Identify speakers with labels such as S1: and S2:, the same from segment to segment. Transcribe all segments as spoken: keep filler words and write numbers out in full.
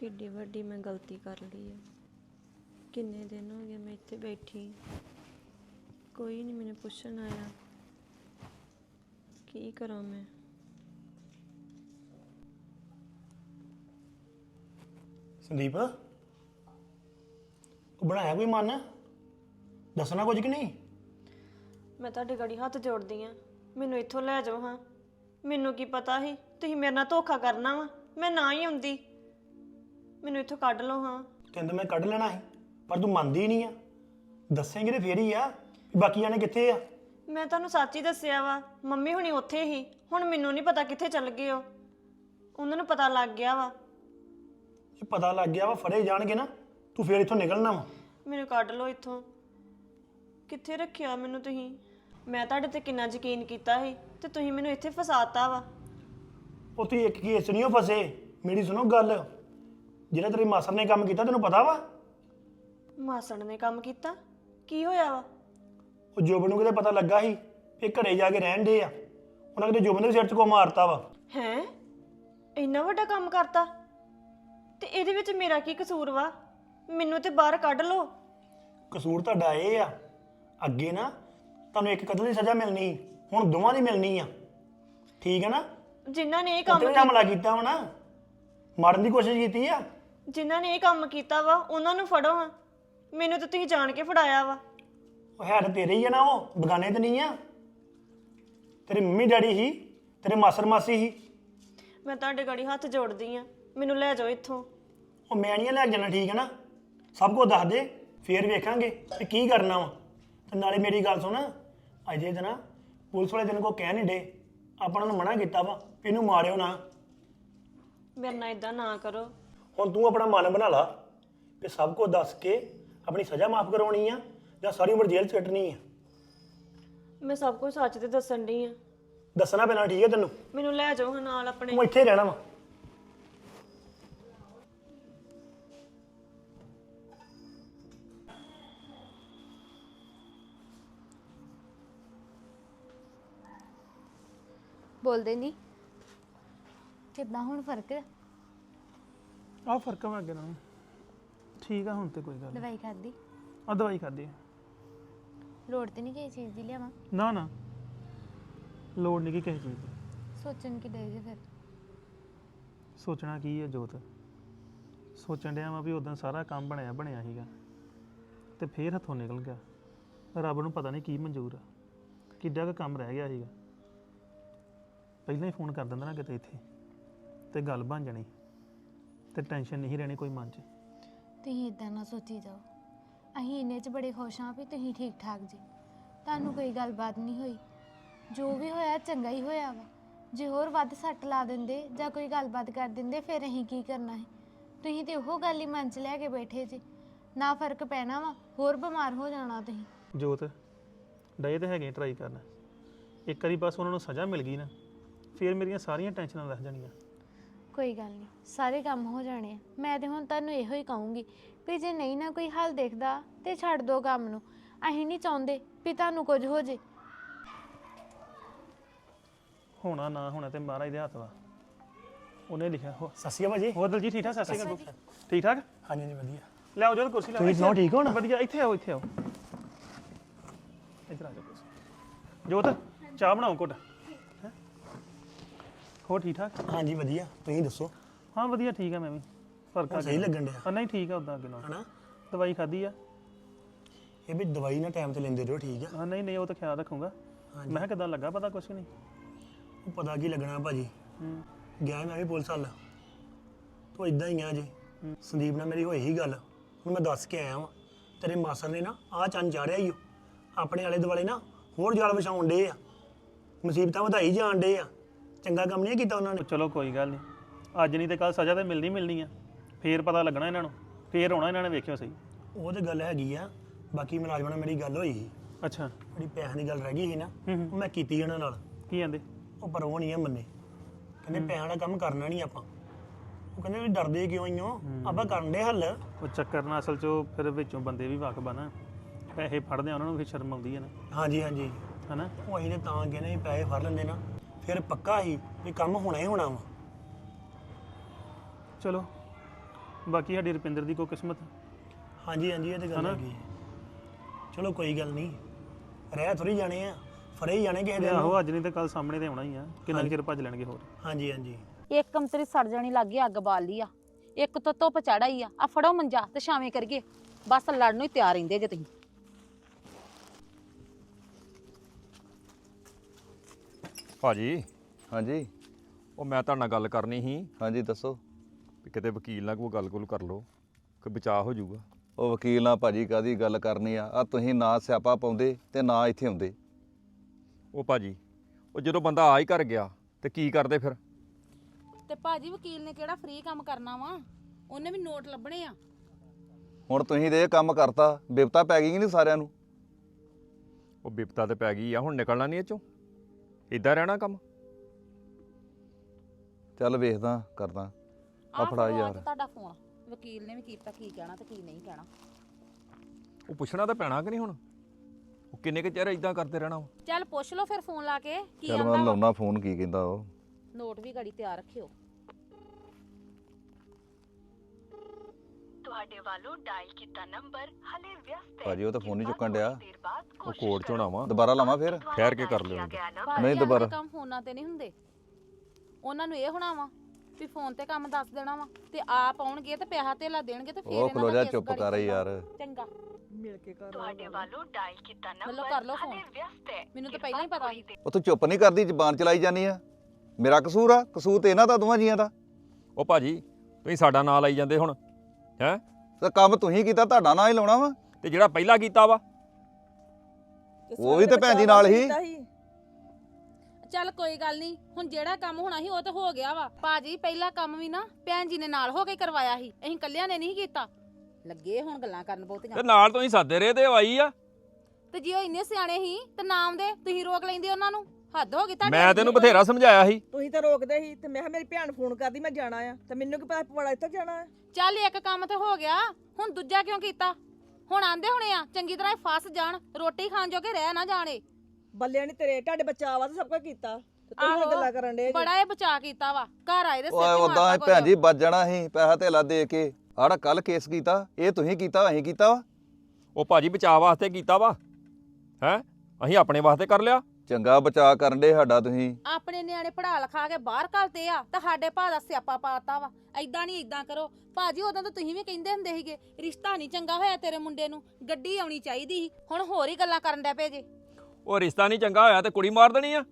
S1: ਕਿੱਡੀ ਵੱਡੀ ਮੈਂ ਗਲਤੀ ਕਰ ਲਈ ਹੈ। ਕਿੰਨੇ ਦਿਨ ਹੋ ਗਏ ਮੈਂ ਇੱਥੇ ਬੈਠੀ, ਕੋਈ ਨਹੀਂ ਮੈਨੂੰ ਪੁੱਛਣ ਆਇਆ। ਕੀ ਕਰਾਂ ਮੈਂ?
S2: ਸੰਦੀਪ ਉਹ ਬਣਾਇਆ ਕੋਈ ਮਨ ਦੱਸਣਾ ਕੁਝ ਕਿ ਨਹੀਂ?
S1: ਮੈਂ ਤੁਹਾਡੇ ਗੜੀ ਹੱਥ ਜੋੜਦੀ ਆ, ਮੈਨੂੰ ਇੱਥੋਂ ਲੈ ਜਾਓ ਹਾਂ। ਮੈਨੂੰ ਕੀ ਪਤਾ ਸੀ ਤੁਸੀਂ ਮੇਰੇ ਨਾਲ ਧੋਖਾ ਕਰਨਾ ਵਾ, ਮੈਂ ਨਾ ਹੀ ਆਉਂਦੀ। ਮੈਨੂੰ ਇੱਥੋਂ ਕੱਢ ਲਓ ਹਾਂ।
S2: ਤੈਨੂੰ ਮੈਂ ਕੱਢ ਲੈਣਾ ਸੀ ਪਰ ਤੂੰ ਮੰਨਦੀ ਨਹੀਂ ਆ। ਦੱਸੇਂਗੇ ਤੇ ਫੇਰ ਹੀ ਆ ਵੀ ਬਾਕੀ ਜਾਣੇ ਕਿੱਥੇ ਆ।
S1: ਮੈਂ ਤੁਹਾਨੂੰ ਸੱਚ ਹੀ ਦੱਸਿਆ ਵਾ, ਮੰਮੀ ਹੁਣੀ ਉੱਥੇ ਹੀ, ਹੁਣ ਮੈਨੂੰ ਨਹੀਂ ਪਤਾ ਕਿੱਥੇ ਚੱਲ ਗਏ ਹੋ। ਉਹਨਾਂ ਨੂੰ ਪਤਾ ਲੱਗ ਗਿਆ ਵਾ।
S2: ਇਹ ਪਤਾ ਲੱਗ ਗਿਆ ਵਾ, ਫੜੇ ਜਾਣਗੇ ਨਾ ਤੂੰ ਫੇਰ ਇੱਥੋਂ ਨਿਕਲਣਾ ਵਾ।
S1: ਮੈਨੂੰ ਕੱਢ ਲਓ ਇੱਥੋਂ। ਕਿੱਥੇ ਰੱਖਿਆ ਮੈਨੂੰ ਤੁਸੀਂ? ਮੈਂ ਤੁਹਾਡੇ ਤੇ ਕਿੰਨਾ ਯਕੀਨ ਕੀਤਾ ਸੀ ਤੇ ਤੁਸੀਂ ਮੈਨੂੰ ਇੱਥੇ ਫਸਾਤਾ ਵਾ।
S2: ਉਹ ਤੁਸੀਂ ਇੱਕ ਕੇਸ ਨਹੀਂ ਹੋ ਫਸੇ। ਮੇਰੀ ਸੁਣੋ ਗੱਲ, ਜਿਹੜਾ ਤੇਰੀ ਮਾਸਰ ਨੇ ਕੰਮ ਕੀਤਾ ਤੈਨੂੰ ਪਤਾ ਵਾ?
S1: ਮਾਸੜ ਨੇ ਕੰਮ ਕੀਤਾ? ਕੀ ਹੋਇਆ ਵਾ?
S2: ਉਹ ਜੋਬਨ ਨੂੰ ਕਿਤੇ ਪਤਾ ਲੱਗਾ ਸੀ ਇਹ ਘਰੇ ਜਾ ਕੇ ਰਹਿਣ ਦੇ ਆ, ਉਹਨਾਂ ਕਿਤੇ ਜੋਬਨ ਦੇ ਸਿਰ 'ਚ ਕੋ ਮਾਰਤਾ ਵਾ।
S1: ਹੈਂ? ਇੰਨਾ ਵੱਡਾ ਕੰਮ ਕਰਤਾ ਤੇ ਇਹਦੇ ਵਿੱਚ ਮੇਰਾ ਕੀ ਕਸੂਰ ਵਾ? ਮੈਨੂੰ ਤੇ ਬਾਹਰ ਕੱਢ ਲਓ।
S2: ਕਸੂਰ ਤੁਹਾਡਾ ਇਹ ਆ, ਅੱਗੇ ਨਾ ਤੁਹਾਨੂੰ ਇੱਕ ਕਤਲ ਦੀ ਸਜ਼ਾ ਮਿਲਣੀ, ਹੁਣ ਦੋਵਾਂ ਦੀ ਮਿਲਣੀ ਆ। ਠੀਕ ਹੈ ਨਾ?
S1: ਜਿਨ੍ਹਾਂ ਨੇ ਇਹ ਕੰਮ
S2: ਤੇਰੇ ਹਮਲਾ ਕੀਤਾ ਵਾ ਨਾ, ਮਾਰਨ ਦੀ ਕੋਸ਼ਿਸ਼ ਕੀਤੀ ਆ।
S1: ਜਿਨ੍ਹਾਂ ਨੇ ਇਹ ਕੰਮ ਕੀਤਾ ਵਾ ਉਹਨਾਂ ਨੂੰ ਫੜੋ ਹਾਂ। ਮੈਨੂੰ ਤਾਂ ਤੁਸੀਂ ਜਾਣ ਕੇ ਫੜਾਇਆ ਵਾ।
S2: ਉਹ ਹੈ ਤਾਂ ਤੇਰੇ ਹੀ ਆ ਨਾ, ਉਹ ਬਗਾਨੇ ਤੇ ਨਹੀਂ ਆ। ਤੇਰੀ ਮੰਮੀ ਡੈਡੀ ਹੀ, ਤੇਰੇ ਮਾਸਰ ਮਾਸੀ ਹੀ।
S1: ਮੈਂ ਤੁਹਾਡੇ ਗਾੜੀ ਹੱਥ ਜੋੜਦੀ ਆ, ਮੈਨੂੰ ਲੈ ਜਾਓ ਇੱਥੋਂ।
S2: ਉਹ ਮੈਂ ਨਹੀਂ ਲੈ ਕੇ ਜਾਣਾ, ਠੀਕ ਹੈ ਨਾ? ਸਭ ਕੁਝ ਦੱਸ ਦੇ ਫੇਰ ਵੇਖਾਂਗੇ ਕਿ ਕੀ ਕਰਨਾ ਵਾ। ਤੇ ਨਾਲੇ ਮੇਰੀ ਗੱਲ ਸੁਣ, ਅਜੇ ਤਾਂ ਨਾ ਪੁਲਿਸ ਵਾਲੇ ਤੈਨੂੰ ਕੋ ਕਹਿ ਨਹੀਂ ਡੇ, ਆਪਾਂ ਨੂੰ ਮਨਾ ਕੀਤਾ ਵਾ ਵੀ ਇਹਨੂੰ ਮਾਰਿਓ ਨਾ।
S1: ਮੇਰੇ ਨਾਲ ਇਦਾਂ ਨਾ ਕਰੋ।
S2: ਹੁਣ ਤੂੰ ਆਪਣਾ ਮਨ ਬਣਾ ਲਾ ਕਿ ਸਭ ਕੁਝ ਦੱਸ ਕੇ ਆਪਣੀ ਸਜ਼ਾ ਮਾਫ ਕਰਵਾਉਣੀ ਆ ਜਾਂ ਸਾਰੀ ਉਮਰ ਜੇਲ੍ਹ 'ਚ ਕੱਟਣੀ ਆ।
S1: ਮੈਂ ਸਭ ਕੁਝ ਸੱਚ ਤੇ ਦੱਸਣ ਡਈ ਆ।
S2: ਦੱਸਣਾ ਪੈਣਾ, ਠੀਕ ਹੈ ਤੈਨੂੰ?
S1: ਮੈਨੂੰ ਲੈ ਜਾਓ ਹਾਂ ਨਾਲ ਆਪਣੇ।
S2: ਤੂੰ ਇੱਥੇ ਰਹਿਣਾ ਵਾ।
S3: ਬੋਲਦੇ ਨਹੀਂ ਕਿੱਦਾਂ ਹੁਣ ਫਰਕ?
S4: ਆਹ ਫਰਕ ਵਾ ਅੱਗੇ ਨਾਲੋਂ, ਠੀਕ ਆ ਹੁਣ ਤੇ ਕੋਈ ਗੱਲ ਨਹੀਂ।
S3: ਦਵਾਈ ਖਾਦੀ?
S4: ਆ ਦਵਾਈ ਖਾਦੀ।
S3: ਲੋੜ ਤੇ ਨਹੀਂ ਕਿਸੇ ਚੀਜ਼ ਦੀ ਲਿਆਵਾਂ?
S4: ਨਾ ਨਾ ਲੋੜ ਨਹੀਂ ਕਿ ਕਿਸੇ ਚੀਜ਼ ਦੀ।
S3: ਸੋਚਣ ਕਿ ਦੇ ਜੇ ਫਿਰ?
S4: ਸੋਚਣਾ ਕੀ ਹੈ ਜੋਤ, ਸੋਚਣ ਡਿਆ ਵਾ ਵੀ ਉਦੋਂ ਸਾਰਾ ਕੰਮ ਬਣਿਆ ਬਣਿਆ ਸੀਗਾ ਤੇ ਫੇਰ ਹੱਥੋਂ ਨਿਕਲ ਗਿਆ। ਰੱਬ ਨੂੰ ਪਤਾ ਨਹੀਂ ਕੀ ਮਨਜ਼ੂਰ ਆ, ਕਿੱਡਾ ਕੁ ਕੰਮ ਰਹਿ ਗਿਆ ਸੀਗਾ। ਪਹਿਲਾਂ ਹੀ ਫੋਨ ਕਰ ਦਿੰਦਾ ਨਾ ਕਿਤੇ ਇੱਥੇ ਤੇ ਗੱਲ ਬਣ ਜਾਣੀ ਤੇ ਟੈਨਸ਼ਨ ਨਹੀਂ ਰਹਿਣੀ ਕੋਈ ਮਨ 'ਚ।
S3: ਤੁਸੀਂ ਇਦਾਂ ਨਾ ਸੋਚੀ ਜਾਓ। ਅਸੀਂ ਇੰਨੇ 'ਚ ਬੜੇ ਖੁਸ਼ ਹਾਂ ਵੀ ਤੁਸੀਂ ਠੀਕ ਠਾਕ ਜੀ, ਤੁਹਾਨੂੰ ਕੋਈ ਗੱਲਬਾਤ ਨਹੀਂ ਹੋਈ। ਜੋ ਵੀ ਹੋਇਆ ਚੰਗਾ ਹੀ ਹੋਇਆ ਵਾ। ਜੇ ਹੋਰ ਵੱਧ ਸੱਟ ਲਾ ਦਿੰਦੇ ਜਾਂ ਕੋਈ ਗੱਲਬਾਤ ਕਰ ਦਿੰਦੇ ਫਿਰ ਅਸੀਂ ਕੀ ਕਰਨਾ ਹੈ? ਤੁਸੀਂ ਤੇ ਉਹ ਗੱਲ ਹੀ ਮਨ 'ਚ ਲੈ ਕੇ ਬੈਠੇ ਜੀ। ਨਾ ਫਰਕ ਪੈਣਾ ਵਾ, ਹੋਰ ਬਿਮਾਰ ਹੋ ਜਾਣਾ ਤੁਸੀਂ।
S4: ਜੋਤ ਡਏ ਤੇ ਹੈਗੇ ਟਰਾਈ ਕਰਨਾ, ਇੱਕ ਵਾਰੀ ਬਸ ਉਹਨਾਂ ਨੂੰ ਸਜ਼ਾ ਮਿਲ ਗਈ ਨਾ ਫਿਰ ਮੇਰੀਆਂ ਸਾਰੀਆਂ ਟੈਨਸ਼ਨਾਂ ਲੱਥ ਜਾਣੀਆਂ।
S3: ਕੋਈ ਗੱਲ ਨਹੀਂ, ਸਾਰੇ ਕੰਮ ਹੋ ਜਾਣੇ ਆ। ਮੈਂ ਤੇ ਹੁਣ ਤੁਹਾਨੂੰ ਇਹੋ ਹੀ ਕਹੂੰਗੀ ਵੀ ਜੇ ਨਹੀਂ ਨਾ ਕੋਈ ਹੱਲ ਦੇਖਦਾ ਤੇ ਛੱਡ ਦਿਓ ਕੰਮ ਨੂੰ। ਅਸੀਂ ਨਹੀਂ ਚਾਹੁੰਦੇ ਵੀ ਤੁਹਾਨੂੰ ਕੁਝ ਹੋ ਜੇ।
S4: ਹੋਣਾ ਨਾ ਹੋਣਾ ਤੇ ਮਹਾਰਾਜ ਦੇ ਹੱਥ ਵਾ, ਉਹਨੇ ਲਿਖਿਆ ਹੋ।
S2: ਸਤਿ ਸ਼੍ਰੀ ਅਕਾਲ ਭਾਜੀ।
S4: ਹੋਰ ਦਲਜੀਤ ਠੀਕ ਠਾਕ? ਸਤਿ ਸ਼੍ਰੀ ਅਕਾਲ। ਠੀਕ ਠਾਕ?
S2: ਹਾਂਜੀ ਹਾਂਜੀ ਵਧੀਆ।
S4: ਲਿਆਓ ਜਦ ਕੁਰਸੀ
S2: ਤੁਸੀਂ ਸੁਣਾਓ, ਠੀਕ ਹੋ ਨਾ?
S4: ਵਧੀਆ। ਇੱਥੇ ਆਓ ਇੱਥੇ ਆਓ, ਇੱਧਰ ਆ ਜਾਓ ਕੁਰਸੀ। ਜੋਤ ਚਾਹ ਬਣਾਓ ਘੁੱਟ। ਹੈਂ? ਹੋਰ ਠੀਕ ਠਾਕ?
S2: ਹਾਂਜੀ ਵਧੀਆ, ਤੁਸੀਂ ਦੱਸੋ?
S4: ਹਾਂ ਵਧੀਆ ਠੀਕ ਆ ਮੈਂ ਵੀ। ਫਰਕ ਆ
S2: ਸਹੀ ਲੱਗਣ ਡਿਆ?
S4: ਹਾਂ ਨਹੀਂ ਠੀਕ ਆ ਉਦਾਂ ਅੱਗੇ ਨਾਲ।
S2: ਹਨਾ
S4: ਦਵਾਈ ਖਾਧੀ ਆ।
S2: ਇਹ ਵੀ ਦਵਾਈ ਨਾ ਟਾਈਮ ਤੇ ਲੈਂਦੇ ਰਹੋ, ਠੀਕ ਆ?
S4: ਹਾਂ ਨਹੀਂ ਨਹੀਂ ਉਹ ਤਾਂ ਖਿਆਲ ਰੱਖੂੰਗਾ। ਮੈਂ ਕਿਹਾ ਕਿੱਦਾਂ ਲੱਗਾ ਪਤਾ ਕੁਛ ਨਹੀਂ?
S2: ਉਹ ਪਤਾ ਕੀ ਲੱਗਣਾ ਭਾਜੀ,
S4: ਹੂੰ
S2: ਗਿਆ ਮੈਂ ਵੀ ਪੁਲਿਸ ਵੱਲ ਤੂੰ ਇਦਾਂ ਹੀ ਆ ਜੇ। ਸੰਦੀਪ ਨਾਲ ਮੇਰੀ ਹੋਈ ਹੀ ਗੱਲ, ਹੁਣ ਮੈਂ ਦੱਸ ਕੇ ਆਇਆ ਵਾਂ। ਤੇਰੇ ਮਾਸਰ ਨੇ ਨਾ ਆਹ ਚੰਨ ਚਾੜਿਆ ਹੀ ਉਹ ਆਪਣੇ ਆਲੇ ਦੁਆਲੇ ਨਾ ਹੋਰ ਜਾਲ ਵਿਛਾਉਣ ਡੇ ਆ, ਮੁਸੀਬਤਾਂ ਵਧਾਈ ਜਾਣ ਡੇ ਆ। ਚੰਗਾ ਕੰਮ ਨਹੀਂ ਕੀਤਾ ਉਹਨਾਂ ਨੇ।
S4: ਚਲੋ ਕੋਈ ਗੱਲ ਨਹੀਂ, ਅੱਜ ਨਹੀਂ ਤੇ ਕੱਲ ਸਜ਼ਾ ਤੇ ਮਿਲਣੀ ਮਿਲਣੀ ਆ। ਫੇਰ ਪਤਾ ਲੱਗਣਾ ਇਹਨਾਂ ਨੂੰ, ਫੇਰ ਆਉਣਾ ਇਹਨਾਂ ਨੇ, ਵੇਖਿਓ ਸਹੀ।
S2: ਉਹ ਤੇ ਗੱਲ ਹੈਗੀ ਆ। ਬਾਕੀ ਮੁਲਾਜ਼ਮਾਂ ਨਾਲ ਮੇਰੀ ਗੱਲ ਹੋਈ ਸੀ,
S4: ਅੱਛਾ
S2: ਜਿਹੜੀ ਪੈਸਿਆਂ ਦੀ ਗੱਲ ਰਹਿ ਗਈ ਸੀ ਨਾ,
S4: ਹੂੰ
S2: ਉਹ ਮੈਂ ਕੀਤੀ ਉਹਨਾਂ ਨਾਲ।
S4: ਕੀ ਕਹਿੰਦੇ?
S2: ਉਹ ਪਰ ਉਹ ਨਹੀਂ ਆ ਮੰਨੇ, ਕਹਿੰਦੇ ਪੈਸਿਆਂ ਦਾ ਕੰਮ ਕਰਨਾ ਨਹੀਂ ਆਪਾਂ। ਉਹ ਕਹਿੰਦੇ ਵੀ ਡਰਦੇ ਕਿਉਂ ਹੀ ਹੋ, ਆਪਾਂ ਕਰਨ ਦੇ ਹੱਲ।
S4: ਉਹ ਚੱਕਰ ਨਾਲ ਅਸਲ 'ਚ ਉਹ ਫਿਰ ਵਿੱਚੋਂ ਬੰਦੇ ਵੀ ਵਾਕਬ ਆ ਨਾ, ਪੈਸੇ ਫੜਦੇ ਆ ਉਹਨਾਂ ਨੂੰ ਵੀ ਸ਼ਰਮ ਆਉਂਦੀ ਹੈ ਨਾ।
S2: ਹਾਂਜੀ ਹਾਂਜੀ
S4: ਹਨਾ
S2: ਉਹ ਅਸੀਂ ਤੇ ਤਾਂ ਕਹਿੰਦੇ ਵੀ ਪੈਸੇ ਫੜ ਲੈਂਦੇ ਨਾ, ਫਿਰ ਪੱਕਾ ਹੀ ਵੀ ਕੰਮ ਹੋਣਾ ਹੀ ਹੋਣਾ ਵਾ।
S4: ਚਲੋ ਬਾਕੀ ਸਾਡੀ ਰੁਪਿੰਦਰ ਦੀ ਕੋਈ ਕਿਸਮਤ।
S2: ਹਾਂਜੀ ਹਾਂਜੀ ਇਹ ਤੇ ਗੱਲ
S4: ਹਨਾ?
S2: ਹੈਗੀ ਹੈ। ਚਲੋ ਕੋਈ ਗੱਲ ਨਹੀਂ, ਰਹਿ ਥੋੜੀ ਜਾਣੇ ਆ, ਫੜੇ ਹੀ ਜਾਣੇ ਕਿਸੇ
S4: ਤੇ
S2: ਦਿਨ।
S4: ਆਹੋ ਅੱਜ ਨਹੀਂ ਤਾਂ ਕੱਲ ਸਾਹਮਣੇ ਤੇ ਆਉਣਾ ਹੀ ਆ, ਕਿੰਨਾ ਕੁ ਚਿਰ ਭੱਜ ਲੈਣਗੇ ਹੋਰ।
S2: ਹਾਂਜੀ ਹਾਂਜੀ
S5: ਇੱਕ ਅੰਤਰੀ ਸੜ ਜਾਣੀ ਲੱਗ ਗਈ, ਅੱਗ ਬਾਲ ਲਈ ਆ, ਇੱਕ ਤੋਂ ਧੁੱਪ ਚੜਾਈ ਆ ਆ ਫੜੋ ਮੰਜਾ ਤੇ ਛਾਵੇਂ ਕਰੀਏ, ਬਸ ਲੜਨ ਨੂੰ ਹੀ ਤਿਆਰ ਰਹਿੰਦੇ ਜੇ ਤੁਸੀਂ।
S6: ਭਾਜੀ
S7: ਹਾਂਜੀ
S6: ਉਹ ਮੈਂ ਤੁਹਾਡੇ ਨਾਲ ਗੱਲ ਕਰਨੀ ਸੀ
S7: ਹਾਂਜੀ ਦੱਸੋ।
S6: ਵੀ ਕਿਤੇ ਵਕੀਲ ਨਾਲ ਕੋਈ ਗੱਲ-ਗੁਲ ਕਰ ਲਓ ਕਿ ਬਚਾਅ ਹੋ ਜਾਊਗਾ।
S7: ਉਹ ਵਕੀਲ ਨਾਲ ਭਾਜੀ ਕਾਦੀ ਗੱਲ ਕਰਨੀ ਆ, ਆ ਤੁਸੀਂ ਨਾ ਸਿਆਪਾ ਪਾਉਂਦੇ ਤੇ ਨਾ ਇੱਥੇ ਆਉਂਦੇ।
S6: ਉਹ ਭਾਜੀ ਉਹ ਜਦੋਂ ਬੰਦਾ ਆ ਹੀ ਕਰ ਗਿਆ ਤੇ ਕੀ ਕਰਦੇ ਫਿਰ?
S5: ਤੇ ਭਾਜੀ ਵਕੀਲ ਨੇ ਕਿਹੜਾ ਫ੍ਰੀ ਕੰਮ ਕਰਨਾ ਵਾ, ਉਹਨੇ ਵੀ ਨੋਟ ਲੱਭਣੇ ਆ।
S7: ਹੁਣ ਤੁਸੀਂ ਤੇ ਇਹ ਕੰਮ ਕਰਤਾ, ਬਿਪਤਾ ਪੈ ਗਈ ਨਹੀਂ ਸਾਰਿਆਂ ਨੂੰ।
S6: ਉਹ ਬਿਪਤਾ ਤੇ ਪੈ ਗਈ ਆ, ਹੁਣ ਨਿਕਲਣਾ ਨਹੀਂ ਇਹ ਚੋਂ, ਇਦਾਂ ਰਹਿਣਾ ਕੰਮ।
S7: ਚੱਲ ਵੇਖਦਾ ਕਰਦਾ। ਆ
S5: ਆਹ
S7: ਫੜਾ
S5: ਫੜੋ
S7: ਯਾਰ।
S5: ਅੱਜ ਤੁਹਾਡਾ ਫੋਨ, ਵਕੀਲ ਨੇ ਵੀ ਕੀਤਾ ਕੀ ਕਹਿਣਾ ਤੇ ਕੀ ਨਹੀਂ ਕਹਿਣਾ।
S6: ਉਹ ਪੁੱਛਣਾ ਤਾਂ ਪੈਣਾ ਕਿ ਨਹੀਂ ਹੁਣ, ਉਹ ਕਿੰਨੇ ਕੁ ਚਿਰ ਇਦਾਂ ਕਰਦੇ ਰਹਿਣਾ ਵਾ?
S5: ਚੱਲ ਪੁੱਛ ਲਓ ਫਿਰ ਫੋਨ ਲਾ ਕੇ ਕੀ
S7: ਚੱਲ ਮੈਂ
S5: ਆਂਦਾ ਵਾ।
S7: ਲਾਉਣਾ ਫੋਨ, ਕੀ ਕਹਿੰਦਾ ਉਹ।
S5: ਨੋਟ ਵੀ ਗੜੀ ਤਿਆਰ ਰੱਖਿਓ।
S8: ਤੁਹਾਡੇ ਵੱਲੋਂ ਡਾਇਲ ਕੀਤਾ ਨੰਬਰ ਹਲੇ ਵਿਅਸਤ ਹੈ।
S7: ਭਾਜੀ ਉਹ ਤਾਂ ਫੋਨ ਨਹੀਂ ਚੁੱਕਣ ਡਿਆ।
S6: ਉਹ ਕੋਡ ਚੋਣਾ ਵਾ,
S7: ਦੁਬਾਰਾ ਲਾਵਾਂ ਫਿਰ?
S6: ਠਹਿਰ ਕੇ ਕਰ ਲਿਓ।
S5: ਭਾਜੀ
S7: ਨਹੀਂ
S5: ਆਹ
S7: ਦੁਬਾਰਾ।
S5: ਕੰਮ ਫੋਨਾਂ ਤੇ ਨਹੀਂ ਹੁੰਦੇ, ਉਹਨਾਂ ਨੂੰ ਇਹ ਹੋਣਾ ਵਾ ਵੀ ਫੋਨ ਤੇ ਕੰਮ ਦੱਸ ਦੇਣਾ ਵਾ ਤੇ ਆਪ ਆਉਣਗੇ ਤੇ ਪੈਸਾ ਧੇਲਾ ਦੇਣਗੇ ਤੇ ਫਿਰ
S7: ਉਹ ਖਲੋ ਜਾ, ਚੁੱਪ ਕਰ ਯਾਰ।
S5: ਚੰਗਾ
S8: ਤੁਹਾਡੇ ਵੱਲੋਂ ਡਾਇਲ ਕੀਤਾ
S5: ਮਤਲਬ
S8: ਨੰਬਰ
S5: ਕਰ ਲਓ
S8: ਹਲੇ
S5: ਫੋਨ।
S8: ਵਿਅਸਤ ਹੈ।
S5: ਮੈਨੂੰ ਤਾਂ ਪਹਿਲਾਂ ਹੀ ਪਤਾ ਸੀ।
S7: ਉਹ ਤੂੰ ਚੁੱਪ ਨਹੀਂ ਕਰਦੀ, ਜ਼ਬਾਨ ਚਲਾਈ ਜਾਂਦੀ ਆ। ਮੇਰਾ ਕਸੂਰ ਆ? ਕਸੂਰ ਤੇ ਇਹਨਾਂ ਦਾ ਦੋਵਾਂ ਜੀਆਂ ਦਾ।
S6: ਉਹ ਭਾਜੀ ਤੁਸੀਂ ਸਾਡਾ ਨਾਂ ਲਾਈ ਜਾਂਦੇ ਹੁਣ ਹੈ,
S7: ਤੇ ਕੰਮ ਤੁਸੀਂ ਕੀਤਾ, ਤੁਹਾਡਾ ਨਾਂ ਹੀ ਲਾਉਣਾ ਵਾ।
S6: ਤੇ ਜਿਹੜਾ ਪਹਿਲਾਂ ਕੀਤਾ ਵਾ
S7: ਉਹ ਵੀ ਤੇ ਭੈਣ ਜੀ ਨਾਲ ਹੀ।
S5: ਚੱਲ ਕੋਈ ਗੱਲ ਨਹੀਂ, ਹੁਣ ਜਿਹੜਾ ਕੰਮ ਹੋਣਾ ਸੀ ਉਹ ਤਾਂ ਹੋ ਗਿਆ ਵਾ। ਭਾਜੀ ਪਹਿਲਾ ਕੰਮ ਵੀ ਨਾ ਭੈਣ ਜੀ ਨੇ ਨਾਲ ਹੋ ਕੇ ਕਰਵਾਇਆ ਸੀ, ਅਸੀਂ ਕੱਲਿਆਂ ਨੇ ਨਹੀਂ ਕੀਤਾ। ਲੱਗੇ ਹੁਣ ਗੱਲਾਂ ਕਰਨ
S6: ਤੇ
S5: ਬਹੁਤੀਆਂ।
S6: ਨਾਲ ਤੁਸੀਂ ਸਾਦੇ ਰਹੇ ਤੇ ਉਹ ਆਈ ਆ।
S5: ਤੇ ਜੇ ਉਹ ਇੰਨੇ ਸਿਆਣੇ ਸੀ ਤੇ ਨਾਮ ਦੇ ਤੁਸੀਂ ਰੋਕ ਲੈਂਦੇ ਉਹਨਾਂ ਨੂੰ, ਹੱਦ ਹੋ ਗਈ ਤੁਹਾਡੀ।
S6: ਮੈਂ ਤੈਨੂੰ ਬਥੇਰਾ ਸਮਝਾਇਆ ਸੀ।
S9: ਤੁਸੀਂ ਤਾਂ ਰੋਕਦੇ ਸੀ ਤੇ ਮੈਂ ਕਿਹਾ ਮੇਰੀ ਭੈਣ ਫੋਨ ਕਰਦੀ ਮੈਂ ਜਾਣਾ ਆ, ਤੇ ਮੈਨੂੰ ਕੀ ਪਤਾ ਪਵਾੜਾ ਇੱਥੇ ਜਾਣਾ ਆ।
S5: ਚੱਲ ਇੱਕ ਕੰਮ ਤੇ ਹੋ ਗਿਆ, ਹੁਣ ਦੂਜਾ ਕਿਉਂ ਕੀਤਾ? ਹੁਣ ਆਂਦੇ ਹੋਣੇ ਆ ਚੰਗੀ ਤਰ੍ਹਾਂ ਫਸ ਜਾਣ, ਰੋਟੀ ਖਾਣ ਜੋਗੇ ਰਹਿ ਨਾ ਜਾਣੇ।
S9: ਬੱਲੇ ਨਹੀਂ ਤੇਰੇ, ਤੁਹਾਡੇ ਬਚਾਅ ਵਾ ਤੇ ਸਭ ਕੁਝ ਕੀਤਾ ਤੇ ਤੁਸੀਂ ਹੁਣ ਗੱਲਾਂ ਕਰਨ ਦੇ।
S5: ਬੜਾ ਇਹ ਬਚਾ ਕੀਤਾ ਵਾ, ਘਰ ਆਏ ਦੇ ਸਿਰ
S7: ਓਏ
S5: ਤੇ
S7: ਉਦਾਂ
S5: ਮਾਰਦਾ
S7: ਭੈਣ ਜੀ
S5: ਕੁਝ।
S7: ਬਚ ਜਾਣਾ ਸੀ, ਪੈਸਾ ਧੇਲਾ ਦੇ ਕੇ। ਆੜਾ ਕੱਲ ਕੇਸ ਕੀਤਾ, ਇਹ ਤੁਸੀਂ ਕੀਤਾ, ਅਸੀਂ ਕੀਤਾ ਵਾ।
S6: ਉਹ ਭਾਜੀ ਬਚਾਅ ਵਾਸਤੇ ਕੀਤਾ ਵਾ, ਹੈ ਅਸੀਂ ਆਪਣੇ ਵਾਸਤੇ ਕਰ ਲਿਆ।
S7: ਚੰਗਾ ਬਚਾਅ ਕਰਨ ਦੇ ਸਾਡਾ ਤੁਸੀਂ।
S5: ਆਪਣੇ ਨਿਆਣੇ ਪੜਾ ਲਿਖਾ ਕੇ ਬਾਹਰ ਘੱਲਤੇ ਆ ਤੇ ਸਾਡੇ ਭਾ ਦਾ ਸਿਆਪਾ ਪਾਤਾ ਵਾ। ਐਦਾਂ ਨਹੀਂ ਐਦਾਂ ਕਰੋ ਭਾਜੀ, ਉਦੋਂ ਤਾਂ ਤੁਸੀਂ ਵੀ ਕਹਿੰਦੇ ਹੁੰਦੇ ਸੀਗੇ ਰਿਸ਼ਤਾ ਨਹੀਂ ਚੰਗਾ ਹੋਇਆ ਤੇਰੇ ਮੁੰਡੇ ਨੂੰ, ਗੱਡੀ ਆਉਣੀ ਚਾਹੀਦੀ ਸੀ। ਹੁਣ ਹੋਰ ਹੀ ਗੱਲਾਂ ਕਰਨ ਡੈ ਪਏ ਜੇ।
S6: ਉਹ ਰਿਸ਼ਤਾ ਨਹੀਂ ਚੰਗਾ ਹੋਇਆ ਤੇ ਕੁੜੀ ਮਾਰ ਦੇਣੀ ਆ।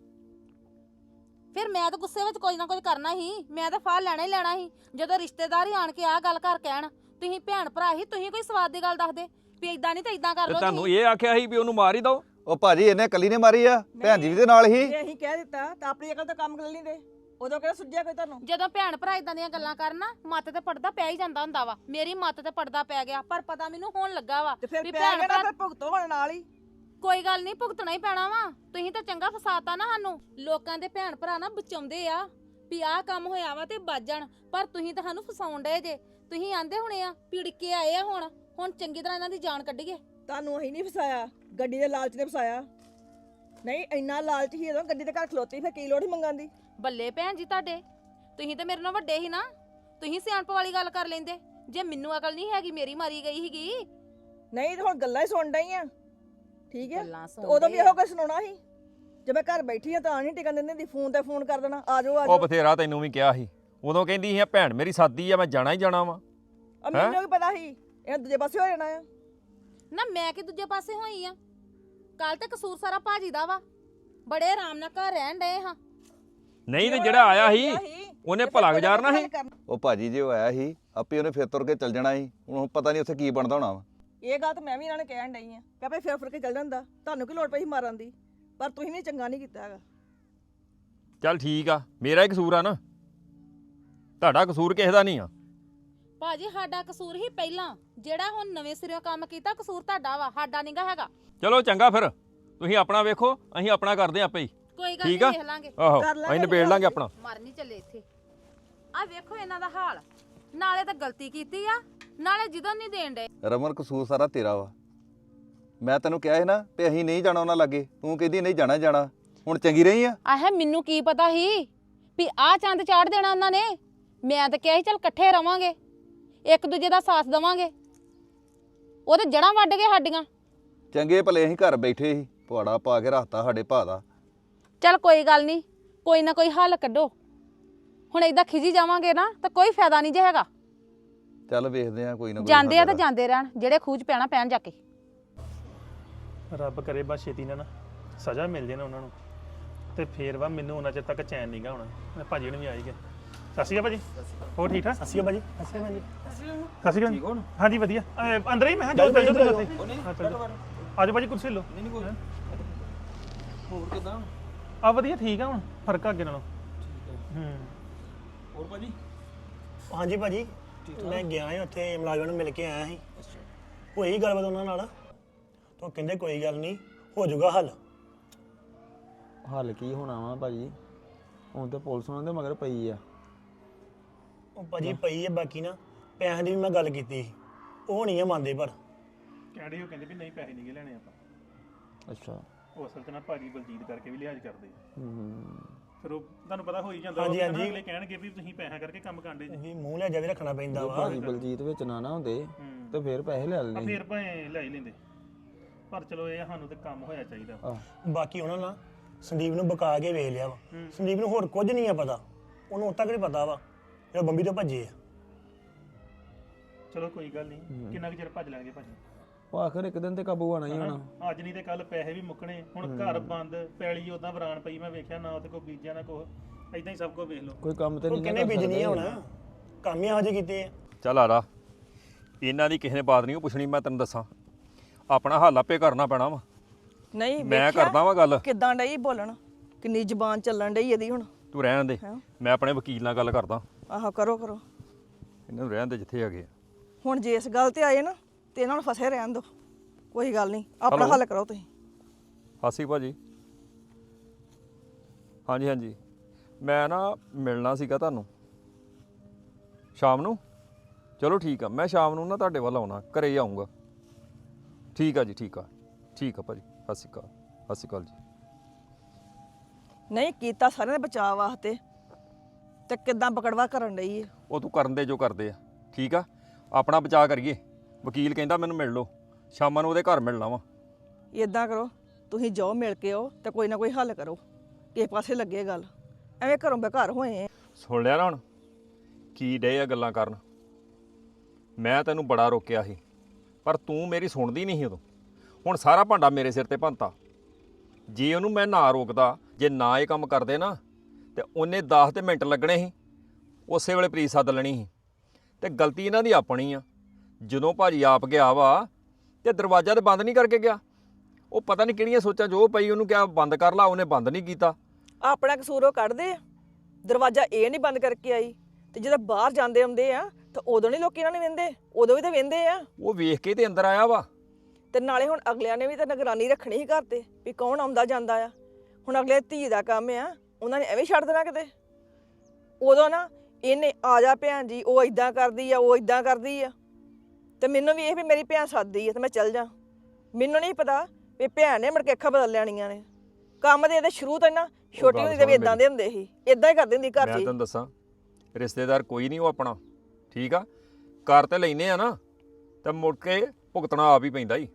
S5: ਫਿਰ ਮੈਂ ਤਾਂ ਗੁੱਸੇ ਵਿੱਚ ਕੁਝ ਨਾ ਕੁਝ ਕਰਨਾ ਸੀ, ਮੈਂ ਤਾਂ ਫਾਹ ਲੈਣਾ ਹੀ ਲੈਣਾ ਸੀ। ਜਦੋਂ ਰਿਸ਼ਤੇਦਾਰ ਹੀ ਆਣ ਕੇ ਆਹ ਗੱਲ ਕਰ ਕਹਿਣ, ਤੁਸੀਂ ਭੈਣ ਭਰਾ ਹੀ, ਤੁਸੀਂ ਕੋਈ ਸਵਾਦ ਦੀ ਗੱਲ ਦੱਸਦੇ ਵੀ ਐਦਾਂ ਨਹੀਂ ਤਾਂ ਐਦਾਂ ਕਰ
S6: ਤੇ
S5: ਲਓ
S6: ਤੁਹਾਨੂੰ
S5: ਤੁਸੀਂ।
S6: ਇਹ ਆਖਿਆ ਸੀ ਵੀ ਉਹਨੂੰ ਮਾਰ ਹੀ ਦੋ।
S7: ਉਹ ਭਾਜੀ ਇਹਨੇ ਕੱਲੀ ਨੇ ਮਾਰੀ ਆ, ਭੈਣ ਜੀ ਵੀ ਦੇ ਨਾਲ ਹੀ।
S9: ਜੇ ਅਸੀਂ ਕਹਿ ਦਿੱਤਾ ਤਾਂ ਆਪਣੀ ਅਕਲ ਤੋਂ ਕੰਮ ਕਰ ਲੈਂਦੇ, ਉਦੋਂ ਕਿਹੜਾ ਸੁੱਝਿਆ ਕੋਈ ਤੁਹਾਨੂੰ।
S5: ਜਦੋਂ ਭੈਣ ਭਰਾ ਇਦਾਂ ਦੀਆਂ ਗੱਲਾਂ ਕਰਨ ਨਾ, ਮੱਤ ਤੇ ਪੜਦਾ ਪੈ ਹੀ ਜਾਂਦਾ ਹੁੰਦਾ ਵਾ। ਮੇਰੀ ਮੱਤ ਤੇ ਪੜਦਾ ਪੈ ਗਿਆ, ਪਰ ਪਤਾ ਮੈਨੂੰ ਹੋਣ ਲੱਗਾ ਵਾ
S9: ਤੇ ਫਿਰ
S5: ਵੀ
S9: ਪਿਆ
S5: ਭੈਣ
S9: ਗਿਆ ਨਾ,
S5: ਭਰਾ।
S9: ਫਿਰ ਭੁਗਤੋ ਹੁਣ ਨਾਲ ਹੀ।
S5: ਕੋਈ ਗੱਲ ਨਹੀਂ, ਭੁਗਤਣਾ ਹੀ ਪੈਣਾ ਵਾ। ਤੁਸੀਂ ਤਾਂ ਚੰਗਾ ਫਸਾਤਾ ਨਾ ਸਾਨੂੰ। ਲੋਕਾਂ ਦੇ ਭੈਣ ਭਰਾ ਨਾ ਬਚਾਉਂਦੇ ਆ ਵੀ ਆਹ ਕੰਮ ਹੋਇਆ ਵਾ ਤੇ ਬਚ ਜਾਣ, ਪਰ ਤੁਸੀਂ ਤਾਂ ਸਾਨੂੰ ਫਸਾਉਣ ਡਏ ਜੇ। ਤੁਸੀਂ ਆਂਦੇ ਹੋਣੇ ਆ ਪਿੜਕੇ ਆਏ ਆ, ਹੁਣ ਹੁਣ ਚੰਗੀ ਤਰ੍ਹਾਂ ਇਹਨਾਂ ਦੀ ਜਾਨ ਕੱਢੀਏ।
S9: ਤੁਹਾਨੂੰ ਅਸੀਂ ਨਹੀਂ ਫਸਾਇਆ, ਗੱਡੀ ਦੇ ਲਾਲਚ ਨੇ ਫਸਾਇਆ। ਨਹੀਂ ਇੰਨਾ ਲਾਲਚ ਹੀ ਜਦੋਂ ਗੱਡੀ ਦੇ ਘਰ ਖਲੋਤੀ, ਫਿਰ ਕੀ ਲੋੜ ਹੀ ਮੰਗਣ ਦੀ।
S5: ਬੱਲੇ ਭੈਣ ਜੀ ਤੁਹਾਡੇ, ਤੁਸੀਂ ਤੇ ਮੇਰੇ ਨਾਲ ਵੱਡੇ ਸੀ ਨਾ, ਤੁਸੀਂ ਸਿਆਣਪ ਵਾਲੀ ਗੱਲ ਕਰ ਲੈਂਦੇ। ਜੇ ਮੈਨੂੰ ਅਕਲ ਨਹੀਂ ਹੈਗੀ, ਮੇਰੀ ਮਾਰੀ ਗਈ ਸੀਗੀ।
S9: ਨਹੀਂ ਤੇ ਹੁਣ ਗੱਲਾਂ ਹੀ ਸੁਣ ਡਈ ਆ, ਠੀਕ ਹੈ।
S5: ਗੱਲਾਂ
S9: ਤੇ ਉਦੋਂ ਵੀ
S5: ਸੁਣਦੇ
S9: ਇਹੋ ਕੁਝ ਸੁਣਾਉਣਾ ਸੀ। ਜੇ ਮੈਂ ਘਰ ਬੈਠੀ ਆ ਤਾਂ ਨਹੀਂ ਟਿਕਣ ਦਿੰਦੀ, ਫੋਨ ਤੇ ਫੋਨ ਕਰ ਦੇਣਾ, ਆ ਜਾਓ ਆ
S6: ਉਹ
S9: ਜਾਓ।
S6: ਬਥੇਰਾ ਤੈਨੂੰ ਵੀ ਕਿਹਾ ਸੀ, ਉਦੋਂ ਕਹਿੰਦੀ ਸੀ ਭੈਣ ਮੇਰੀ ਸਾਦੀ ਆ, ਮੈਂ ਜਾਣਾ ਹੀ ਜਾਣਾ ਵਾ।
S9: ਆ ਮੈਨੂੰ ਵੀ ਪਤਾ ਸੀ ਇਹ ਦੂਜੇ ਪਾਸੇ ਹੋ ਜਾਣਾ ਆ।
S5: ਨਾ ਮੈਂ ਕਿ ਦੂਜੇ ਪਾਸੇ ਹੋਈ ਆ? ਕੱਲ ਤੇ ਕਸੂਰ ਸਾਰਾ ਭਾਜੀ ਦਾ ਵਾ। ਬੜੇ ਆਰਾਮ ਨਾਲ ਘਰ ਰਹਿਣ ਡਏ ਹਾਂ।
S6: ਨਹੀਂ ਤੇ ਜਿਹੜਾ ਆਇਆ ਸੀ ਉਹਨੇ ਭਲਾ ਗੁਜ਼ਾਰਨਾ ਸੀ।
S7: ਉਹ ਭਾਜੀ ਜੇ ਉਹ ਆਇਆ ਸੀ, ਆਪੇ ਉਹਨੇ ਫਿਰ ਤੁਰ ਕੇ ਚੱਲ ਜਾਣਾ ਸੀ। ਹੁਣ ਪਤਾ ਨਹੀਂ ਉੱਥੇ ਕੀ ਬਣਦਾ ਹੋਣਾ ਵਾ।
S9: ਇਹ ਗੱਲ ਤਾਂ ਮੈਂ ਵੀ ਇਹਨਾਂ ਨੇ ਕਹਿਣ ਡਈ ਆ ਕਿ ਆਪੇ ਫਿਰ ਫਿਰ ਕੇ ਚੱਲ ਜਾਂਦਾ, ਤੁਹਾਨੂੰ ਕੀ ਲੋੜ ਪਈ ਸੀ ਮਾਰਨ ਦੀ। ਪਰ ਤੁਸੀਂ ਵੀ ਚੰਗਾ ਨਹੀਂ ਕੀਤਾ ਹੈਗਾ।
S6: ਚੱਲ ਠੀਕ ਆ, ਮੇਰਾ ਹੀ ਕਸੂਰ ਆ ਨਾ, ਤੁਹਾਡਾ ਕਸੂਰ ਕਿਸੇ ਦਾ ਨਹੀਂ ਆ।
S5: ਭਾਜੀ ਸਾਡਾ ਕਸੂਰ ਹੀ ਪਹਿਲਾਂ, ਜਿਹੜਾ ਹੁਣ ਨਵੇਂ ਸਿਰਿਓਂ ਕੰਮ ਕੀਤਾ ਕਸੂਰ ਤੁਹਾਡਾ ਵਾ, ਸਾਡਾ ਨਹੀਂਗਾ ਹੈਗਾ।
S6: ਚਲੋ ਚੰਗਾ, ਫਿਰ ਤੁਸੀਂ ਆਪਣਾ ਵੇਖੋ, ਅਸੀਂ ਆਪਣਾ ਕਰਦੇ ਆਂ ਆਪੇ ਹੀ।
S5: ਕੋਈ ਗੱਲ
S6: ਠੀਕ ਆ?
S5: ਨਹੀਂ, ਦੇਖ ਲਾਂਗੇ।
S6: ਆਹੋ
S9: ਕਰ ਲਾਂਗੇ
S6: ਅਸੀਂ ਨਿਬੇੜ ਲਾਂਗੇ ਆਪਣਾ।
S5: ਮਰਨੀ ਚੱਲੇ ਇੱਥੇ। ਆ ਵੇਖੋ ਇਹਨਾਂ ਦਾ ਹਾਲ, ਨਾਲੇ ਤਾਂ ਗਲਤੀ ਕੀਤੀ ਆ, ਨਾਲੇ ਜਦੋਂ ਨਹੀਂ ਦੇਣ ਡੇ।
S7: ਰਮਨ ਕਸੂਰ ਸਾਰਾ ਤੇਰਾ ਵਾ। ਮੈਂ ਤੈਨੂੰ ਕਿਹਾ ਸੀ ਨਾ ਵੀ ਅਸੀਂ ਨਹੀਂ ਜਾਣਾ ਉਹਨਾਂ ਲਾਗੇ, ਤੂੰ ਕਹਿੰਦੀ ਨਹੀਂ ਜਾਣਾ ਜਾਣਾ। ਹੁਣ ਚੰਗੀ ਰਹੀ ਆ।
S5: ਆਹੇ ਮੈਨੂੰ ਕੀ ਪਤਾ ਸੀ ਵੀ ਆਹ ਚੰਦ ਚਾੜ ਦੇਣਾ ਉਹਨਾਂ ਨੇ। ਮੈਂ ਤਾਂ ਕਿਹਾ ਸੀ ਚੱਲ ਇਕੱਠੇ ਰਵਾਂਗੇ। ਇੱਕ ਦੂਜੇ ਦਾ ਸਾਥ ਦੇਵਾਂਗੇ। ਉਹ ਤੇ ਜੜਾਂ ਵੱਢ ਗਏ ਸਾਡੀਆਂ।
S7: ਚੰਗੇ ਭਲੇ ਅਸੀਂ ਘਰ ਬੈਠੇ ਸੀ, ਪੁਆੜਾ ਪਾ ਕੇ ਰੱਖਤਾ ਸਾਡੇ ਭਾ ਦਾ।
S5: ਚੱਲ ਕੋਈ ਗੱਲ ਨਹੀਂ, ਕੋਈ ਨਾ ਕੋਈ ਹੱਲ ਕੱਢੋ। ਹੁਣ ਏਦਾਂ ਖਿਜੀ ਜਾਵਾਂਗੇ ਨਾ ਤਾਂ ਕੋਈ ਫਾਇਦਾ ਨਹੀਂ ਜੇ ਹੈਗਾ।
S7: ਚੱਲ ਵੇਖਦੇ ਆ ਕੋਈ ਨਾ ਕੋਈ
S5: ਜਾਂਦੇ ਆ
S7: ਹੱਲ
S5: ਤਾਂ
S7: ਦਾ।
S5: ਜਾਂਦੇ ਰਹਿਣ, ਜਿਹੜੇ ਖੂਜ ਪੈਣਾ ਪੈਣ ਜਾ ਕੇ।
S4: ਰੱਬ ਕਰੇ ਬਸ ਛੇਤੀ ਨਾਲ ਨਾ ਸਜ਼ਾ ਮਿਲ ਜੇ ਨਾ ਉਹਨਾਂ ਨੂੰ, ਤੇ ਫੇਰ ਵਾ ਮੈਨੂੰ ਉਹਨਾਂ ਚਿਰ ਤੱਕ ਚੈਨ ਨਹੀਂਗਾ ਹੋਣਾ। ਮੈਂ ਭਾਜੀ ਨੂੰ ਵੀ ਆਈ ਗਿਆ। ਸਤਿ ਸ਼੍ਰੀ ਅਕਾਲ ਭਾਜੀ, ਹੋਰ ਠੀਕ ਠਾਕ?
S2: ਸਤਿ ਸ਼੍ਰੀ ਅਕਾਲ ਭਾਜੀ। ਸਤਿ ਸ਼੍ਰੀ ਅਕਾਲ ਭਾਜੀ।
S4: ਸਤਿ ਸ਼੍ਰੀ ਅਕਾਲ। ਹਾਂਜੀ ਵਧੀਆ। ਅਹ ਅੰਦਰ ਹੀ ਮੈਂ ਕਿਹਾ ਜਾਓ ਜਾਓ ਉੱਥੇ। ਹਾਂ ਚਲੋ ਆਜੋ ਭਾਜੀ, ਕੁਰਸੀ ਲਓ। ਨਹੀਂ ਨਹੀਂ ਕੋਈ ਹੋਰ ਕਿਦਾਂ ਆ? ਵਧੀਆ ਠੀਕ ਆ, ਹੁਣ ਫਰਕ ਆ ਅੱਗੇ ਨਾਲੋਂ। ਹੂੰ
S2: ਹੋਰ ਭਾਜੀ? ਹਾਂਜੀ ਭਾਜੀ, ਮੈਂ ਗਿਆ ਹਾਂ ਉੱਥੇ ਮੁਲਾਜ਼ਮਾਂ ਨੂੰ ਮਿਲ ਕੇ ਆਇਆ ਸੀ। ਹੋਈ ਗੱਲਬਾਤ ਉਹਨਾਂ ਨਾਲ, ਤਾਂ ਕਹਿੰਦੇ ਕੋਈ ਗੱਲ ਨਹੀਂ, ਹੋ ਜਾਊਗਾ ਹੱਲ।
S10: ਹੱਲ ਕੀ ਹੋਣਾ ਵਾ ਭਾਜੀ, ਹੁਣ ਤੇ ਪੁਲਿਸ ਉਹਨਾਂ ਦੇ ਮਗਰ ਪਈ ਆ।
S2: ਉਹ ਭਾਜੀ ਪਈ ਹੈ, ਬਾਕੀ ਨਾ ਪੈਸਿਆਂ ਦੀ ਵੀ ਮੈਂ ਗੱਲ ਕੀਤੀ ਸੀ, ਉਹ ਨਹੀਂ ਆ ਮੰਨਦੇ। ਪਰ
S4: ਕਹਿੰਦੇ ਉਹ ਕਹਿੰਦੇ ਵੀ ਨਹੀਂ ਪੈਸੇ ਨਹੀਂ ਲੈਣੇ ਆਪਾਂ।
S10: ਅੱਛਾ,
S4: ਉਹ ਅਸਲ 'ਚ ਨਾ ਭਾਜੀ ਬਲਜੀਤ ਕਰਕੇ ਵੀ ਲਿਹਾਜ਼ ਕਰਦੇ ਆ।
S10: ਹੂੰ
S4: ਫਿਰ ਉਹ ਤੁਹਾਨੂੰ ਪਤਾ ਹੋ ਹੀ ਜਾਂਦਾ।
S2: ਹਾਂਜੀ, ਹਾਂਜੀ।
S4: ਅਗਲੇ ਕਹਿਣਗੇ ਵੀ ਤੁਸੀਂ ਪੈਸਾ ਕਰਕੇ ਕੰਮ ਕਾਂਡੇ ਜੀ।
S2: ਵੀ ਮੂੰਹ ਲਿਆ ਵੀ ਰੱਖਣਾ ਪੈਂਦਾ ਵਾ।
S10: ਭਾਜੀ ਬਲਜੀਤ ਵਿੱਚ ਨਾ ਨਾ ਹੁੰਦੇ ਤੇ ਫਿਰ ਪੈਸੇ ਲੈ
S4: ਆ
S10: ਲੈਣੇ।
S4: ਫਿਰ ਭਾਵੇਂ ਲੈ ਹੀ ਲੈਂਦੇ, ਪਰ ਚਲੋ ਇਹ ਆ, ਸਾਨੂੰ ਤੇ ਕੰਮ ਹੋਇਆ ਚਾਹੀਦਾ।
S10: ਆਹ
S2: ਬਾਕੀ ਉਹਨਾਂ ਨਾਲ ਸੰਦੀਪ ਨੂੰ ਬਕਾ ਕੇ ਵੇਖ ਲਿਆ ਵਾ। ਸੰਦੀਪ ਨੂੰ ਹੋਰ ਕੁਝ ਨਹੀਂ ਆ ਪਤਾ, ਉਹਨੂੰ ਉਤੱਕ ਨਹੀਂ ਪਤਾ ਵਾ ਜਿਹੜਾ ਬੰਬੀ ਤੋਂ ਭੱਜੇ ਆ।
S4: ਚਲੋ ਕੋਈ ਗੱਲ ਨਹੀਂ, ਕਿੰਨਾ ਕੁ ਚਿਰ ਭੱਜ ਲੈਣਗੇ ਭਾਜੀ।
S10: ਉਹ ਆਖਰ ਇੱਕ ਦਿਨ ਤੇ ਕਾਬੂ ਆਣਾ ਹੀ ਹੋਣਾ।
S4: ਅੱਜ ਨਹੀਂ ਤੇ ਕੱਲ ਪੈਸੇ ਵੀ ਮੁੱਕਣੇ। ਹੁਣ ਘਰ ਬੰਦ, ਪੈਲੀ ਉਦਾਂ ਵਰਾਨ ਪਈ, ਮੈਂ ਵੇਖਿਆ ਨਾ ਤੇ ਕੋਈ ਬੀਜਿਆ ਨਾ ਕੁਛ, ਏਦਾਂ ਹੀ ਸਭ ਕੁਝ ਵੇਖ ਲਓ।
S10: ਕੋਈ ਕੰਮ ਤੇ
S2: ਉਹ
S10: ਨਹੀਂ
S2: ਕਿੰਨੇ ਬੀਜਣੀ ਆ ਹੁਣ, ਕੰਮ ਹੀ ਇਹੋ ਜਿਹੇ ਕੀਤੇ ਆ।
S6: ਚੱਲ ਆ ਰਾ, ਇਹਨਾਂ ਦੀ ਕਿਸੇ ਨੇ ਬਾਤ ਨਹੀਂ ਪੁੱਛਣੀ। ਮੈਂ ਤੈਨੂੰ ਦੱਸਾਂ, ਆਪਣਾ ਹੱਲ ਆਪੇ ਕਰਨਾ ਪੈਣਾ ਵਾ।
S9: ਨਹੀਂ
S6: ਮੈਂ
S9: ਵੇਖਿਆ
S6: ਕਰਦਾ ਵਾਂ ਗੱਲ।
S9: ਕਿੱਦਾਂ ਡਈ ਬੋਲਣ, ਕਿੰਨੀ ਜ਼ਬਾਨ ਚੱਲਣ ਡਈ ਇਹਦੀ ਹੁਣ।
S6: ਤੂੰ ਰਹਿਣ ਦੇ,
S9: ਹੈਂ?
S6: ਮੈਂ ਆਪਣੇ ਵਕੀਲ ਨਾਲ ਗੱਲ ਕਰਦਾ।
S9: ਆਹੋ ਕਰੋ ਕਰੋ।
S6: ਇਹਨਾਂ ਨੂੰ ਰਹਿਣ ਦੇ ਜਿੱਥੇ ਹੈਗੇ ਆ।
S9: ਹੁਣ ਜੇ ਇਸ ਗੱਲ ਤੇ ਆਏ ਨਾ ਤੇ ਇਹਨਾਂ ਨੂੰ ਫਸੇ ਰਹਿਣ ਦਿਓ, ਕੋਈ ਗੱਲ ਨਹੀਂ, ਆਪਣਾ
S6: ਹੈਲੋ।
S9: ਹੱਲ ਕਰੋ ਤੁਸੀਂ।
S6: ਹਾਸੀ ਭਾਜੀ, ਹਾਂਜੀ ਹਾਂਜੀ, ਮੈਂ ਨਾ ਮਿਲਣਾ ਸੀਗਾ ਤੁਹਾਨੂੰ ਸ਼ਾਮ ਨੂੰ। ਚਲੋ ਠੀਕ ਆ, ਮੈਂ ਸ਼ਾਮ ਨੂੰ ਨਾ ਤੁਹਾਡੇ ਵੱਲ ਆਉਣਾ, ਘਰੇ ਹੀ ਆਉਂਗਾ। ਠੀਕ ਆ ਜੀ, ਠੀਕ ਆ ਠੀਕ ਆ ਭਾਜੀ। ਸਤਿ ਸ਼੍ਰੀ ਅਕਾਲ। ਸਤਿ ਸ਼੍ਰੀ ਅਕਾਲ ਜੀ।
S9: ਨਹੀਂ ਕੀਤਾ ਸਾਰਿਆਂ ਦੇ ਬਚਾਅ ਵਾਸਤੇ, ਤੇ ਕਿੱਦਾਂ ਪਕੜਵਾ ਕਰਨ ਡਈ ਹੈ।
S6: ਉਹ ਤੂੰ ਕਰਨ ਦੇ ਜੋ ਕਰਦੇ ਆ, ਠੀਕ ਆ। ਆਪਣਾ ਬਚਾਅ ਕਰੀਏ। ਵਕੀਲ ਕਹਿੰਦਾ ਮੈਨੂੰ ਮਿਲ ਲਓ, ਸ਼ਾਮਾਂ ਨੂੰ ਉਹਦੇ ਘਰ ਮਿਲਣਾ ਵਾ।
S9: ਇਦਾਂ ਕਰੋ, ਤੁਸੀਂ ਜਾਓ ਮਿਲ ਕੇ ਆਓ ਤੇ ਕੋਈ ਨਾ ਕੋਈ ਹੱਲ ਕਰੋ, ਕਿਸੇ ਪਾਸੇ ਲੱਗੇ ਗੱਲ। ਐਵੇਂ ਘਰੋਂ ਬੇਘਰ ਹੋਏ ਆ।
S6: ਸੁਣ ਲਿਆ ਨਾ ਹੁਣ ਕੀ ਡੇ ਆ ਗੱਲਾਂ ਕਰਨ। ਮੈਂ ਤੈਨੂੰ ਬੜਾ ਰੋਕਿਆ ਸੀ, ਪਰ ਤੂੰ ਮੇਰੀ ਸੁਣਦੀ ਨਹੀਂ ਸੀ ਉਦੋਂ। ਹੁਣ ਸਾਰਾ ਭਾਂਡਾ ਮੇਰੇ ਸਿਰ ਤੇ ਭੰਨਤਾ। ਜੇ ਉਹਨੂੰ ਮੈਂ ਨਾ ਰੋਕਦਾ, ਜੇ ਨਾ ਇਹ ਕੰਮ ਕਰਦੇ ਨਾ, ਤੇ ਉਹਨੇ ਦਸ ਤੇ ਮਿੰਟ ਲੱਗਣੇ ਸੀ, ਉਸੇ ਵੇਲੇ ਪ੍ਰੀਤ ਸੱਦ ਲੈਣੀ ਸੀ। ਤੇ ਗਲਤੀ ਇਹਨਾਂ ਦੀ ਆਪਣੀ ਆ। ਜਦੋਂ ਭਾਜੀ ਆਪ ਗਿਆ ਵਾ ਤੇ ਦਰਵਾਜ਼ਾ ਤੇ ਬੰਦ ਨਹੀਂ ਕਰਕੇ ਗਿਆ। ਉਹ ਪਤਾ ਨਹੀਂ ਕਿਹੜੀਆਂ ਸੋਚਾਂ ਜੋ ਪਈ, ਉਹਨੂੰ ਕਿਹਾ ਬੰਦ ਕਰ ਲਾ, ਉਹਨੇ ਬੰਦ ਨਹੀਂ ਕੀਤਾ।
S9: ਆਪਣਾ ਕਸੂਰ ਉਹ ਕੱਢਦੇ ਆ। ਦਰਵਾਜ਼ਾ ਇਹ ਨਹੀਂ ਬੰਦ ਕਰਕੇ ਆਈ, ਤੇ ਜਦੋਂ ਬਾਹਰ ਜਾਂਦੇ ਆਉਂਦੇ ਆ ਤਾਂ ਉਦੋਂ ਨਹੀਂ ਲੋਕੀ ਇਹਨਾਂ ਨੂੰ ਵਹਿੰਦੇ, ਉਦੋਂ ਵੀ ਤਾਂ ਵਹਿੰਦੇ ਆ।
S6: ਉਹ ਵੇਖ ਕੇ ਤੇ ਅੰਦਰ ਆਇਆ ਵਾ।
S9: ਤੇ ਨਾਲੇ ਹੁਣ ਅਗਲਿਆਂ ਨੇ ਵੀ ਤਾਂ ਨਿਗਰਾਨੀ ਰੱਖਣੀ ਸੀ ਘਰ ਤੇ, ਵੀ ਕੌਣ ਆਉਂਦਾ ਜਾਂਦਾ ਆ। ਹੁਣ ਅਗਲੇ ਧੀ ਦਾ ਕੰਮ ਆ, ਉਹਨਾਂ ਨੇ ਐਵੇਂ ਛੱਡ ਦੇਣਾ ਕਿਤੇ। ਉਦੋਂ ਨਾ ਇਹਨੇ ਆ ਜਾ ਭੈਣ ਜੀ, ਉਹ ਇਦਾਂ ਕਰਦੀ ਆ, ਉਹ ਇਦਾਂ ਕਰਦੀ ਆ, ਤੇ ਮੈਨੂੰ ਵੀ ਇਹ ਵੀ ਮੇਰੀ ਭੈਣ ਸੱਦਦੀ ਆ ਤੇ ਮੈਂ ਚੱਲ ਜਾ। ਮੈਨੂੰ ਨਹੀਂ ਪਤਾ ਵੀ ਭੈਣ ਨੇ ਮੁੜ ਕੇ ਅੱਖਾਂ ਬਦਲ ਲੈਣੀਆਂ ਨੇ। ਕੰਮ ਦੇ ਇਹਦੇ ਸ਼ੁਰੂ ਤੋਂ ਨਾ ਛੋਟੀ ਹੁੰਦੀ ਤੇ ਵੀ ਇਦਾਂ ਦੇ ਹੁੰਦੇ ਸੀ, ਇਦਾਂ ਹੀ ਕਰਦੇ ਹੁੰਦੀ ਘਰ 'ਚ।
S6: ਮੈਂ ਤੈਨੂੰ ਦੱਸਾਂ, ਰਿਸ਼ਤੇਦਾਰ ਕੋਈ ਨਹੀਂ ਉਹ ਆਪਣਾ, ਠੀਕ ਆ। ਕਰ ਤੇ ਲੈਨੇ ਆ ਨਾ, ਤੇ ਮੁੜ ਕੇ ਭੁਗਤਣਾ ਆਪ ਹੀ ਪੈਂਦਾ ਹੀ।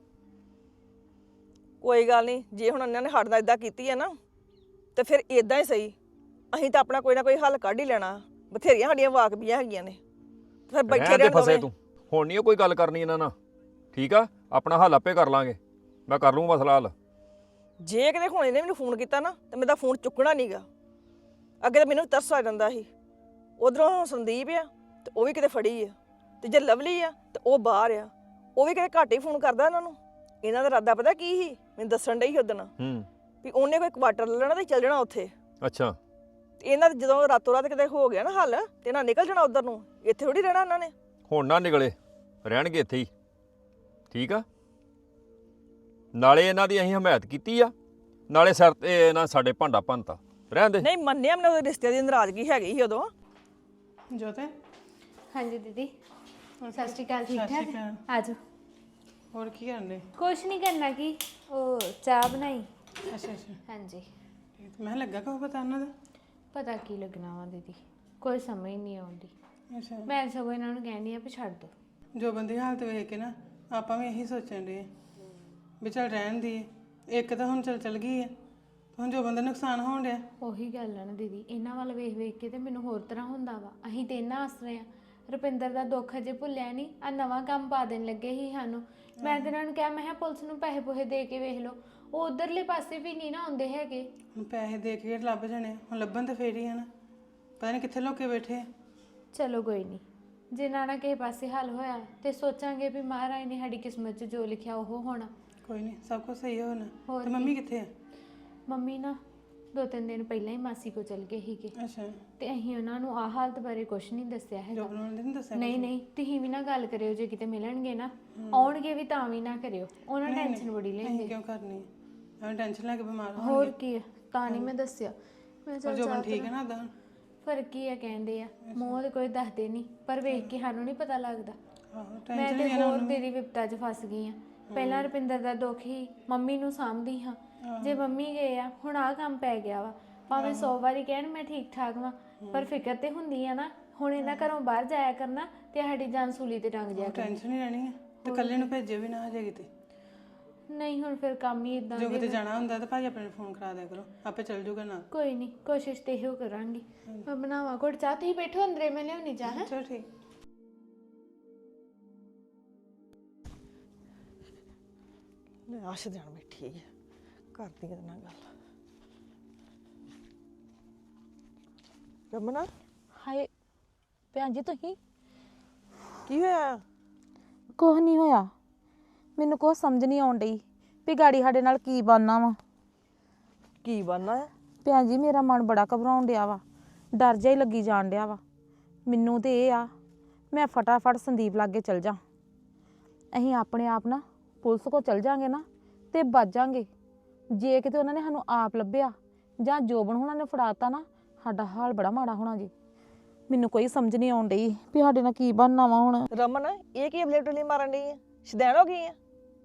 S9: ਕੋਈ ਗੱਲ ਨਹੀਂ, ਜੇ ਹੁਣ ਉਹਨਾਂ ਨੇ ਸਾਡੇ ਨਾਲ ਇਦਾਂ ਕੀਤੀ ਹੈ ਨਾ, ਤੇ ਫਿਰ ਇਦਾਂ ਹੀ ਸਹੀ। ਅਸੀਂ ਤਾਂ ਆਪਣਾ ਕੋਈ ਨਾ ਕੋਈ ਹੱਲ ਕੱਢ ਹੀ ਲੈਣਾ। ਬਥੇਰੀਆਂ ਸਾਡੀਆਂ ਵਾਕਬੀਆਂ ਹੈਗੀਆਂ ਨੇ, ਫਿਰ ਬੈਠੇ
S6: ਰਹਿਣ ਦੇ
S9: ਰਹਿਣ
S6: ਫਸੇ
S9: ਦੋਵੇਂ।
S6: ਤੂੰ। ਹੁਣ ਨਹੀਂ ਕੋਈ ਗੱਲ ਕਰਨੀ ਇਹਨਾਂ ਨਾਲ, ਠੀਕ ਆ। ਆਪਣਾ ਹੱਲ ਆਪੇ ਕਰ ਲਾਂਗੇ, ਮੈਂ ਕਰ ਲੂੰ ਮਸਲਾ ਹੱਲ।
S9: ਜੇ ਕਿਤੇ ਹੁਣ ਇਹਨੇ ਮੈਨੂੰ ਫੋਨ ਕੀਤਾ ਨਾ ਤੇ ਮੇਰਾ ਫੋਨ ਚੁੱਕਣਾ ਨਹੀਂਗਾ। ਅੱਗੇ ਤਾਂ ਮੈਨੂੰ ਤਰਸ ਆ ਜਾਂਦਾ ਸੀ। ਉਧਰੋਂ ਸੰਦੀਪ ਆ ਤੇ ਉਹ ਵੀ ਕਿਤੇ ਫੜੀ ਆ, ਤੇ ਜੇ ਲਵਲੀ ਆ ਤੇ ਉਹ ਬਾਹਰ ਆ, ਉਹ ਵੀ ਕਿਤੇ ਘੱਟ ਹੀ ਫੋਨ ਕਰਦਾ ਇਹਨਾਂ ਨੂੰ। ਇਹਨਾਂ ਦਾ ਇਰਾਦਾ ਪਤਾ ਕੀ ਸੀ, ਮੈਨੂੰ ਦੱਸਣ ਡਈ ਸੀ ਉਦਣ
S6: ਹੂੰ
S9: ਵੀ ਉਹਨੇ ਕੋਈ ਕੁਆਟਰ ਲੈ ਲੈਣਾ ਤੇ ਚੱਲ ਜਾਣਾ ਉੱਥੇ।
S6: ਅੱਛਾ।
S9: ਤੇ ਇਹਨਾਂ ਦੇ ਜਦੋਂ ਰਾਤੋਂ ਰਾਤ ਕਿਤੇ ਹੋ ਗਿਆ ਨਾ ਹੱਲ, ਤੇ ਇਹਨਾਂ ਨਿਕਲ ਜਾਣਾ ਉਧਰ ਨੂੰ, ਇੱਥੇ ਥੋੜੀ ਰਹਿਣਾ ਇਹਨਾਂ ਨੇ।
S6: ਹੁਣ ਨਾ ਨਿਕਲੇ, ਰਹਿਣਗੇ ਇੱਥੇ ਹੀ, ਠੀਕ ਆ। ਨਾਲੇ ਇਹਨਾਂ ਦੀ ਅਸੀਂ ਹਮਾਇਤ ਕੀਤੀ ਆ, ਨਾਲੇ ਸਿਰ ਤੇ ਇਹਨਾਂ ਸਾਡੇ ਭਾਂਡਾ ਭੰਨਤਾ। ਰਹਿਣ ਦੇ।
S9: ਨਹੀਂ ਮੰਨਿਆ, ਮੈਨੂੰ ਉਹਦੇ ਰਿਸ਼ਤੇ ਦੀ ਨਾਰਾਜ਼ਗੀ ਹੈਗੀ ਸੀ ਉਦੋਂ।
S3: ਜੋਤੇ। ਹਾਂਜੀ ਦੀਦੀ, ਸਤਿ ਸ਼੍ਰੀ ਅਕਾਲ। ਠੀਕ ਠਾਕ ਆ ਜਾਓ।
S11: ਹੋਰ ਕੀ ਕਰਨੇ?
S3: ਕੁਛ ਨਹੀਂ ਕਰਨਾ, ਕੀ ਉਹ ਚਾਹ ਬਣਾਈ।
S11: ਅੱਛਾ ਅੱਛਾ,
S3: ਹਾਂਜੀ।
S11: ਮੈਂ ਲੱਗਾ ਕਹੋ ਪਤਾ ਉਹਨਾਂ ਦਾ।
S3: ਪਤਾ ਕੀ ਲੱਗਣਾ ਵਾ ਦੀਦੀ, ਕੋਈ ਸਮਝ ਨਹੀਂ ਆਉਂਦੀ।
S11: ਅੱਛਾ
S3: ਮੈਂ ਸਗੋਂ ਇਹਨਾਂ ਨੂੰ ਕਹਿੰਦੀ ਆ ਵੀ ਛੱਡ ਦੋ।
S11: ਜੋ ਬੰਦੀ ਹਾਲਤ ਵੇਖ ਕੇ ਨਾ ਆਪਾਂ ਵੀ ਇਹੀ ਸੋਚਣ ਦੇ ਵੀ ਚੱਲ ਰਹਿਣ ਦੀ ਇੱਕ ਤਾਂ ਹੁਣ ਚੱਲ ਚੱਲ ਗਈ ਹੈ ਹੁਣ ਜੋ ਬੰਦਾ ਨੁਕਸਾਨ ਹੋਣ ਡਿਆ।
S3: ਉਹੀ ਗੱਲ ਆ ਨਾ ਦੀਦੀ, ਇਹਨਾਂ ਵੱਲ ਵੇਖ ਵੇਖ ਕੇ ਤੇ ਮੈਨੂੰ ਹੋਰ ਤਰ੍ਹਾਂ ਹੁੰਦਾ ਵਾ। ਅਸੀਂ ਤੇ ਇਹਨਾਂ ਆਸਰੇ ਆ, ਰੁਪਿੰਦਰ ਦਾ ਦੁੱਖ ਅਜੇ ਭੁੱਲਿਆ ਨਹੀਂ, ਆ ਨਵਾਂ ਕੰਮ ਪਾ ਦੇਣ ਲੱਗੇ ਹੀ ਸਾਨੂੰ। ਮੈਂ ਤੇ ਇਹਨਾਂ ਨੂੰ ਕਿਹਾ, ਮੈਂ ਕਿਹਾ ਪੁਲਿਸ ਨੂੰ ਪੈਸੇ ਪੂਹੇ ਦੇ ਕੇ ਵੇਖ ਲਓ, ਉਹ ਉਧਰਲੇ ਪਾਸੇ ਵੀ ਨਹੀਂ ਨਾ ਆਉਂਦੇ ਹੈਗੇ।
S11: ਹੁਣ ਪੈਸੇ ਦੇ ਕੇ ਲੱਭ ਜਾਣੇ ਹੁਣ ਲੱਭਣ ਤੇ ਫੇਰ ਹੀ ਆ ਨਾ, ਪਤਾ ਨਹੀਂ ਕਿੱਥੇ ਲੋਕੇ ਬੈਠੇ ਆ।
S3: ਚਲੋ ਕੋਈ ਨਹੀਂ, ਜੇ ਨਾ ਨਾ ਕਿਸੇ ਪਾਸੇ ਹੱਲ ਹੋਇਆ ਤੇ ਸੋਚਾਂਗੇ ਵੀ ਮਹਾਰਾਜ ਨੇ ਸਾਡੀ ਕਿਸਮਤ 'ਚ ਜੋ ਲਿਖਿਆ ਉਹ ਹੋਣਾ।
S11: ਕੋਈ ਨਹੀਂ, ਸਭ ਕੁਝ ਸਹੀ ਹੋਣਾ।
S3: ਹੋਰ
S11: ਤੇ ਮੰਮੀ ਕਿੱਥੇ ਆ?
S3: ਮੰਮੀ ਨਾ ਦੋ ਤਿੰਨ ਦਿਨ ਪਹਿਲਾਂ ਹੀ ਮਾਸੀ ਕੋ ਚਲ ਗਏ ਸੀਗੇ
S11: ਅੱਛਾ
S3: ਤੇ ਅਸੀਂ ਉਹਨਾਂ ਨੂੰ ਆਹ ਹਾਲਤ ਬਾਰੇ ਕੁਝ ਨਹੀਂ ਦੱਸਿਆ ਹੈਗਾ।
S11: ਜੋਬਨ ਨੇ ਨਹੀਂ ਦੱਸਿਆ?
S3: ਨਹੀਂ ਨਹੀਂ, ਤੁਸੀਂ ਵੀ ਨਾ ਗੱਲ ਕਰਿਓ, ਜੇ ਕਿਤੇ ਮਿਲਣਗੇ ਨਾ ਆਉਣਗੇ ਵੀ ਤਾਂ ਵੀ ਨਾ ਕਰਿਓ, ਉਹਨਾਂ ਟੈਨਸ਼ਨ ਬੜੀ
S11: ਅਸੀਂ
S3: ਲੈਂਦੇ।
S11: ਕਿਉਂ ਕਰਨੀ ਐਵੇਂ ਟੈਨਸ਼ਨ ਲੈ ਕੇ ਬਿਮਾਰ ਹੋ।
S3: ਹੋਰ ਕੀ ਆ, ਤਾਂ ਨਹੀਂ ਮੈਂ ਦੱਸਿਆ। ਮੈਂ
S11: ਪਰ
S3: ਚੱਲ
S11: ਜੋਬਨ
S3: ਚਾਹ
S11: ਠੀਕ ਹੈ ਨਾ ਉਦਾਂ?
S3: ਫਰਕ ਕੀ ਆ ਕਹਿੰਦੇ ਆ, ਮੂੰਹ ਤੇ ਕੋਈ ਦੱਸਦੇ ਨਹੀਂ, ਪਰ ਵੇਖ ਕੇ ਸਾਨੂੰ ਨਹੀਂ ਪਤਾ ਲੱਗਦਾ।
S11: ਆਹੋ
S3: ਮੈਂ
S11: ਟੈਨਸ਼ਨ
S3: ਤੇ
S11: ਵੀ ਹੈ ਨਾ
S3: ਹੋਰ
S11: ਉਹਨੂੰ।
S3: ਤੇਰੀ ਵਿਪਤਾ 'ਚ ਫਸ ਗਈ ਆ। ਪਹਿਲਾਂ ਰੁਪਿੰਦਰ ਦਾ ਦੁੱਖ ਹੀ ਮੰਮੀ ਨੂੰ ਸਾਂਭਦੀ ਹਾਂ, ਜੇ ਮੰਮੀ ਗਏ ਆ ਹੁਣ ਆਹ ਕੰਮ ਪੈ ਗਿਆ ਵਾ। ਭਾਵੇਂ ਸੌ ਵਾਰੀ ਕਹਿਣ ਮੈਂ ਠੀਕ ਠਾਕ ਵਾਂ, ਪਰ ਫਿਕਰ ਤੇ ਹੁੰਦੀ ਆ ਨਾ। ਹੁਣ ਇਹਨਾਂ ਘਰੋਂ ਬਾਹਰ ਜਾਇਆ ਕਰਨਾ ਤੇ ਸਾਡੀ ਜਾਨ ਸੂਲੀ ਤੇ ਟੰਗ ਜਾਇਆ ਕਰਨੀ।
S11: ਟੈਨਸ਼ਨ ਹੀ ਰਹਿਣੀ ਹੈ ਤੇ ਇਕੱਲੇ ਨੂੰ ਭੇਜੇ ਵੀ ਨਾ ਹਜੇ ਕਿਤੇ।
S3: ਨਹੀਂ ਹੁਣ ਫਿਰ ਕੰਮ ਹੀ ਇਦਾਂ
S11: ਜੋ ਕਿਤੇ ਜਾਣਾ ਹੁੰਦਾ ਤਾਂ ਭਾਜੀ ਆਪਣੇ ਨੂੰ ਫੋਨ ਕਰਾ ਦਿਆ ਕਰੋ, ਆਪੇ ਚੱਲ ਜਾਊਗਾ ਨਾਲ।
S3: ਕੋਈ ਨਹੀਂ, ਕੋਸ਼ਿਸ਼ ਤੇ ਇਹੋ ਕਰਾਂਗੀ। ਮੈਂ ਬਣਾਵਾਂ ਘੁੱਟ ਚਾਹ, ਤੁਸੀਂ ਬੈਠੋ ਅੰਦਰੇ, ਮੈਂ ਲਿਆਉਣੀ ਚਾਹ।
S11: ਚਲੋ ਠੀਕ।
S9: ਲੈ ਆਸ਼ ਦੇਣ ਬੈਠੀ ਹੈ, ਕਰਦੀ ਇਹਦੇ ਨਾਲ ਗੱਲ। ਰਮਨਾ
S5: ਹਾਏ ਭੈਣ ਜੀ ਤੁਸੀਂ?
S9: ਕੀ ਹੋਇਆ?
S5: ਕੁਛ ਨਹੀਂ ਹੋਇਆ, ਮੈਨੂੰ ਕੁਛ ਸਮਝ ਨਹੀਂ ਆਉਣ ਡਈ ਵੀ ਗਾੜੀ ਸਾਡੇ ਨਾਲ ਕੀ ਬਣਨਾ ਵਾ।
S9: ਕੀ ਬਣਨਾ ਹੈ?
S5: ਭੈਣ ਜੀ ਮੇਰਾ ਮਨ ਬੜਾ ਘਬਰਾਉਣ ਡਿਆ ਵਾ, ਡਰ ਜਿਹਾ ਹੀ ਲੱਗੀ ਜਾਣ ਡਿਆ ਵਾ ਮੈਨੂੰ। ਤੇ ਇਹ ਆ ਮੈਂ ਫਟਾਫਟ ਸੰਦੀਪ ਲਾਗੇ ਚਲ ਜਾ। ਅਸੀਂ ਆਪਣੇ ਆਪ ਨਾ ਪੁਲਿਸ ਕੋਲ ਚਲ ਜਾਾਂਗੇ ਨਾ ਤੇ ਬਚ ਜਾਾਂਗੇ। ਜੇ ਕਿਤੇ ਉਹਨਾਂ ਨੇ ਸਾਨੂੰ ਆਪ ਲੱਭਿਆ ਜਾਂ ਜੋਬਨ ਹੁਣਾਂ ਨੇ ਫੜਾਤਾ ਨਾ, ਸਾਡਾ ਹਾਲ ਬੜਾ ਮਾੜਾ ਹੋਣਾ ਜੀ। ਮੈਨੂੰ ਕੋਈ ਸਮਝ ਨਹੀਂ ਆਉਣ ਡਈ ਵੀ ਸਾਡੇ ਨਾਲ ਕੀ ਬਣਨਾ ਵਾ ਹੁਣ।
S9: ਰਮਨ ਇਹ ਕੀ ਅਬਲੇ ਟੁਲੀ ਮਾਰਨ ਡਈ ਹੈ? ਸ਼ਦੈਣ ਹੋ ਗਈ ਆ?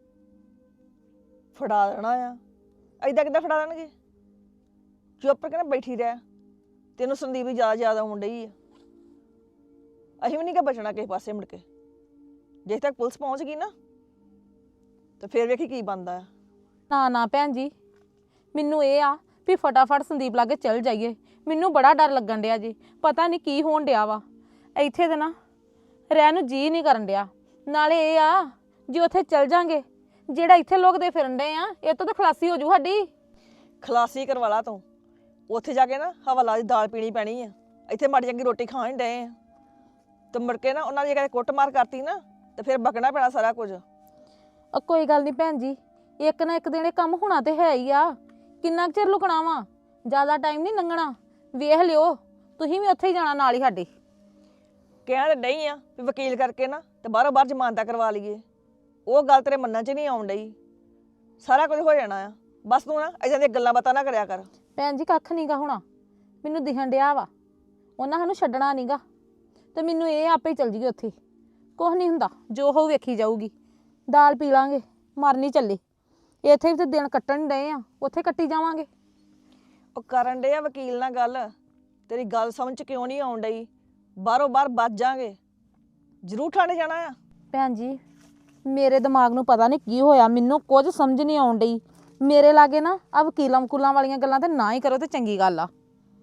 S9: ਫੜਾ ਦੇਣਾ ਆ? ਐਦਾਂ ਕਿੱਦਾਂ ਫੜਾ ਦੇਣਗੇ? ਚੁੱਪ ਕਰਕੇ ਬੈਠੀ ਰਹਿ, ਤੈਨੂੰ ਸੰਦੀਪ ਦੀ ਜ਼ਿਆਦਾ ਜ਼ਿਆਦਾ ਆਉਣ ਡਈ ਆ। ਅਸੀਂ ਵੀ ਨਹੀਂ ਕਿ ਬਚਣਾ ਕਿਸੇ ਪਾਸੇ ਮੁੜ ਕੇ। ਜੇ ਤੱਕ ਪੁਲਿਸ ਪਹੁੰਚ ਗਈ ਨਾ ਤੇ ਫਿਰ ਵੇਖੀ ਕੀ ਬਣਦਾ ਆ।
S5: ਨਾ ਨਾ ਭੈਣ ਜੀ, ਮੈਨੂੰ ਇਹ ਆ ਵੀ ਫਟਾਫਟ ਸੰਦੀਪ ਲਾਗੇ ਚੱਲ ਜਾਈਏ। ਮੈਨੂੰ ਬੜਾ ਡਰ ਲੱਗਣ ਡਿਆ ਜੀ, ਪਤਾ ਨਹੀਂ ਕੀ ਹੋਣ ਡਿਆ ਵਾ ਇੱਥੇ ਤੇ ਨਾ ਰਹਿਣ ਨੂੰ ਜੀ ਨਹੀਂ ਕਰਨ ਡਿਆ। ਨਾਲੇ ਇਹ ਆ ਜੇ ਉੱਥੇ ਚੱਲ ਜਾਾਂਗੇ, ਜਿਹੜਾ ਇੱਥੇ ਲੋਕ ਦੇ ਫਿਰਨ ਡੇ ਆ ਇਹ ਤੋਂ ਤਾਂ ਖਲਾਸੀ ਹੋ ਜੂ ਸਾਡੀ।
S9: ਖਲਾਸੀ ਕਰਵਾ ਲਾ ਤੂੰ, ਉੱਥੇ ਜਾ ਕੇ ਨਾ ਹਵਾਲਾ ਦੀ ਦਾਲ ਪੀਣੀ ਪੈਣੀ ਆ। ਇੱਥੇ ਮਾੜੀ ਚੰਗੀ ਰੋਟੀ ਖਾਣ ਡਏ ਆ ਤੇ ਮੁੜ ਕੇ ਨਾ ਉਹਨਾਂ ਦੀ ਕਦੇ ਕੁੱਟਮਾਰ ਕਰਤੀ ਨਾ ਤੇ ਫਿਰ ਬਕਣਾ ਪੈਣਾ ਸਾਰਾ ਕੁਝ।
S5: ਉਹ ਕੋਈ ਗੱਲ ਨਹੀਂ ਭੈਣ ਜੀ, ਇੱਕ ਨਾ ਇੱਕ ਦਿਨ ਇਹ ਕੰਮ ਹੋਣਾ ਤੇ ਹੈ ਹੀ ਆ। ਕਿੰਨਾ ਕੁ ਚਿਰ ਲੁਕਣਾ ਵਾ, ਜ਼ਿਆਦਾ ਟਾਈਮ ਨਹੀਂ ਲੰਘਣਾ। ਵੇਖ ਲਿਓ ਤੁਸੀਂ ਵੀ ਉੱਥੇ ਹੀ ਜਾਣਾ ਨਾਲ ਹੀ ਸਾਡੇ।
S9: ਕਹਿਣ ਤੇ ਡਈ ਆ ਵੀ ਵਕੀਲ ਕਰਕੇ ਨਾ ਤੇ ਬਾਹਰੋਂ ਬਾਹਰ ਜ਼ਮਾਨਤਾਂ ਕਰਵਾ ਲਈਏ, ਉਹ ਗੱਲ ਤੇਰੇ ਮੰਨਣ 'ਚ ਨਹੀਂ ਆਉਣ ਡਈ। ਸਾਰਾ ਕੁਝ ਹੋ ਜਾਣਾ ਆ, ਬਸ ਤੂੰ ਨਾ ਇਦਾਂ ਦੀਆਂ ਗੱਲਾਂ ਬਾਤਾਂ ਨਾ ਕਰਿਆ ਕਰ।
S5: ਭੈਣ ਜੀ ਕੱਖ ਨਹੀਂਗਾ ਹੋਣਾ, ਮੈਨੂੰ ਦਿਖਣ ਡਿਆ ਵਾ ਉਹਨਾਂ ਸਾਨੂੰ ਛੱਡਣਾ ਨਹੀਂਗਾ ਤੇ ਮੈਨੂੰ ਇਹ ਆਪੇ ਹੀ ਚੱਲ ਜੀਏ ਉੱਥੇ। ਕੁਛ ਨਹੀਂ ਹੁੰਦਾ, ਜੋ ਹੋਊ ਵੇਖੀ ਜਾਊਗੀ। ਦਾਲ ਪੀ ਲਾਂਗੇ, ਮਰਨੀ ਚੱਲੇ। ਇੱਥੇ ਵੀ ਤੇ ਦਿਨ ਕੱਟਣ ਡਏ ਆ, ਉੱਥੇ ਕੱਟੀ ਜਾਵਾਂਗੇ।
S9: ਉਹ ਕਰਨ ਡੇ ਆ ਵਕੀਲ ਨਾਲ ਗੱਲ, ਤੇਰੀ ਗੱਲ ਸਮਝ 'ਚ ਕਿਉਂ ਨਹੀਂ ਆਉਣ ਡਈ? ਬਾਹਰੋਂ ਬਾਹਰ ਬਚ ਜਾਾਂਗੇ, ਜ਼ਰੂਰ ਠਾਣੇ ਜਾਣਾ ਆ।
S5: ਭੈਣ ਜੀ ਮੇਰੇ ਦਿਮਾਗ ਨੂੰ ਪਤਾ ਨਹੀਂ ਕੀ ਹੋਇਆ, ਮੈਨੂੰ ਕੁਝ ਸਮਝ ਨਹੀਂ ਆਉਣ ਡਈ। ਮੇਰੇ ਲਾਗੇ ਨਾ ਆ ਵਕੀਲਾਂ ਵਕੂਲਾਂ ਵਾਲੀਆਂ ਗੱਲਾਂ ਤੇ ਨਾ ਹੀ ਕਰੋ ਤੇ ਚੰਗੀ ਗੱਲ ਆ।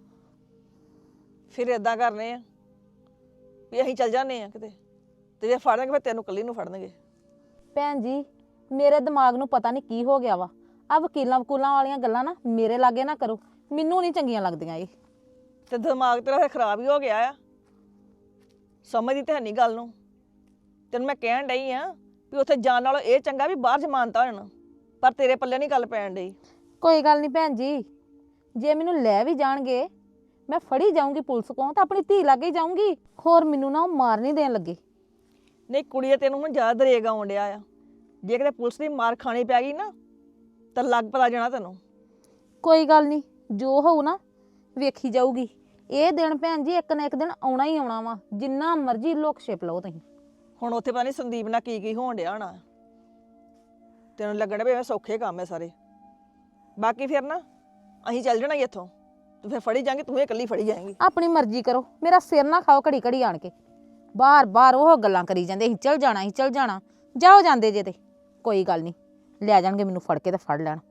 S9: ਫਿਰ ਇਦਾਂ ਕਰਨੇ ਆ ਵੀ ਅਸੀਂ ਚੱਲ ਜਾਂਦੇ ਆ ਕਿਤੇ, ਤੇ ਜੇ ਫੜਨਗੇ ਫਿਰ ਤੈਨੂੰ ਇਕੱਲੀ ਨੂੰ ਫੜਨਗੇ।
S5: ਭੈਣ ਜੀ ਮੇਰੇ ਦਿਮਾਗ ਨੂੰ ਪਤਾ ਨਹੀਂ ਕੀ ਹੋ ਗਿਆ ਵਾ, ਆ ਵਕੀਲਾਂ ਵਕੂਲਾਂ ਵਾਲੀਆਂ ਗੱਲਾਂ ਨਾ ਮੇਰੇ ਲਾਗੇ ਨਾ ਕਰੋ, ਮੈਨੂੰ ਨਹੀਂ ਚੰਗੀਆਂ ਲੱਗਦੀਆਂ ਇਹ।
S9: ਤੇ ਦਿਮਾਗ ਤੇਰਾ ਫਿਰ ਖਰਾਬ ਹੀ ਹੋ ਗਿਆ ਆ, ਸਮਝਦੀ ਤੇ ਹੈ ਨਹੀਂ ਗੱਲ ਨੂੰ। ਤੈਨੂੰ ਮੈਂ ਕਹਿਣ ਡਈ ਆ ਵੀ ਉੱਥੇ ਜਾਣ ਨਾਲੋਂ ਇਹ ਚੰਗਾ ਵੀ ਬਾਹਰ ਜ਼ਮਾਨਤਾਂ ਹੋ ਜਾਣ, ਪਰ ਤੇਰੇ ਪੱਲੇ ਨਹੀਂ ਗੱਲ ਪੈਣ ਡਈ।
S5: ਕੋਈ ਗੱਲ ਨਹੀਂ ਭੈਣ ਜੀ, ਜੇ ਮੈਨੂੰ ਲੈ ਵੀ ਜਾਣਗੇ ਮੈਂ ਫੜੀ ਜਾਊਂਗੀ ਪੁਲਿਸ ਕੋਲ ਤਾਂ ਆਪਣੀ ਧੀ ਲਾਗੇ ਜਾਊਂਗੀ। ਹੋਰ ਮੈਨੂੰ ਨਾ ਉਹ ਮਾਰ ਨਹੀਂ ਦੇਣ ਲੱਗੇ।
S9: ਨਹੀਂ ਕੁੜੀਏ ਤੈਨੂੰ ਹੁਣ ਜ਼ਿਆਦਾ ਦਰੇਗ ਆਉਣ ਡਿਆ ਆ, ਜੇ ਕਿਤੇ ਪੁਲਿਸ ਦੀ ਮਾਰ ਖਾਣੀ ਪੈ ਗਈ ਨਾ ਤਾਂ ਲੱਗ ਪਤਾ ਜਾਣਾ ਤੈਨੂੰ।
S5: ਕੋਈ ਗੱਲ ਨਹੀਂ, ਜੋ ਹੋਊ ਨਾ ਵੇਖੀ ਜਾਊਗੀ। ਇਹ ਦਿਨ ਭੈਣ ਜੀ ਇੱਕ ਨਾ ਇੱਕ ਦਿਨ ਆਉਣਾ ਹੀ ਆਉਣਾ ਵਾ, ਜਿੰਨਾ ਮਰਜ਼ੀ ਲੋਕ ਛਿਪ ਲਓ ਤੁਸੀਂ।
S9: ਹੁਣ ਉੱਥੇ ਪਤਾ ਨਹੀਂ ਸੰਦੀਪ ਨਾਲ ਕੀ ਕੀ ਹੋਣ ਡਿਆ ਹੋਣਾ, ਤੈਨੂੰ ਲੱਗਣ ਵੀ ਸੌਖੇ ਕੰਮ ਹੈ ਸਾਰੇ। ਬਾਕੀ ਫਿਰ ਨਾ ਅਸੀਂ ਚੱਲ ਜਾਣਾ ਇੱਥੋਂ, ਤੂੰ ਫਿਰ ਫੜੀ ਜਾਏਂਗੀ, ਤੂੰ ਇਹ ਇਕੱਲੀ ਫੜੀ ਜਾਏਂਗੀ।
S5: ਆਪਣੀ ਮਰਜ਼ੀ ਕਰੋ, ਮੇਰਾ ਸਿਰ ਨਾ ਖਾਓ ਘੜੀ ਘੜੀ ਆਣ ਕੇ। ਬਾਰ-ਬਾਰ ਉਹ ਗੱਲਾਂ ਕਰੀ ਜਾਂਦੇ ਅਸੀਂ ਚਲ ਜਾਣਾ ਅਸੀਂ ਚਲ ਜਾਣਾ। ਜਾਓ ਜਾਂਦੇ ਜੇ ਤੇ ਕੋਈ ਗੱਲ ਨਹੀਂ ਲੈ ਜਾਣਗੇ ਮੈਨੂੰ ਫੜ ਕੇ ਤੇ ਫੜ ਲੈਣ।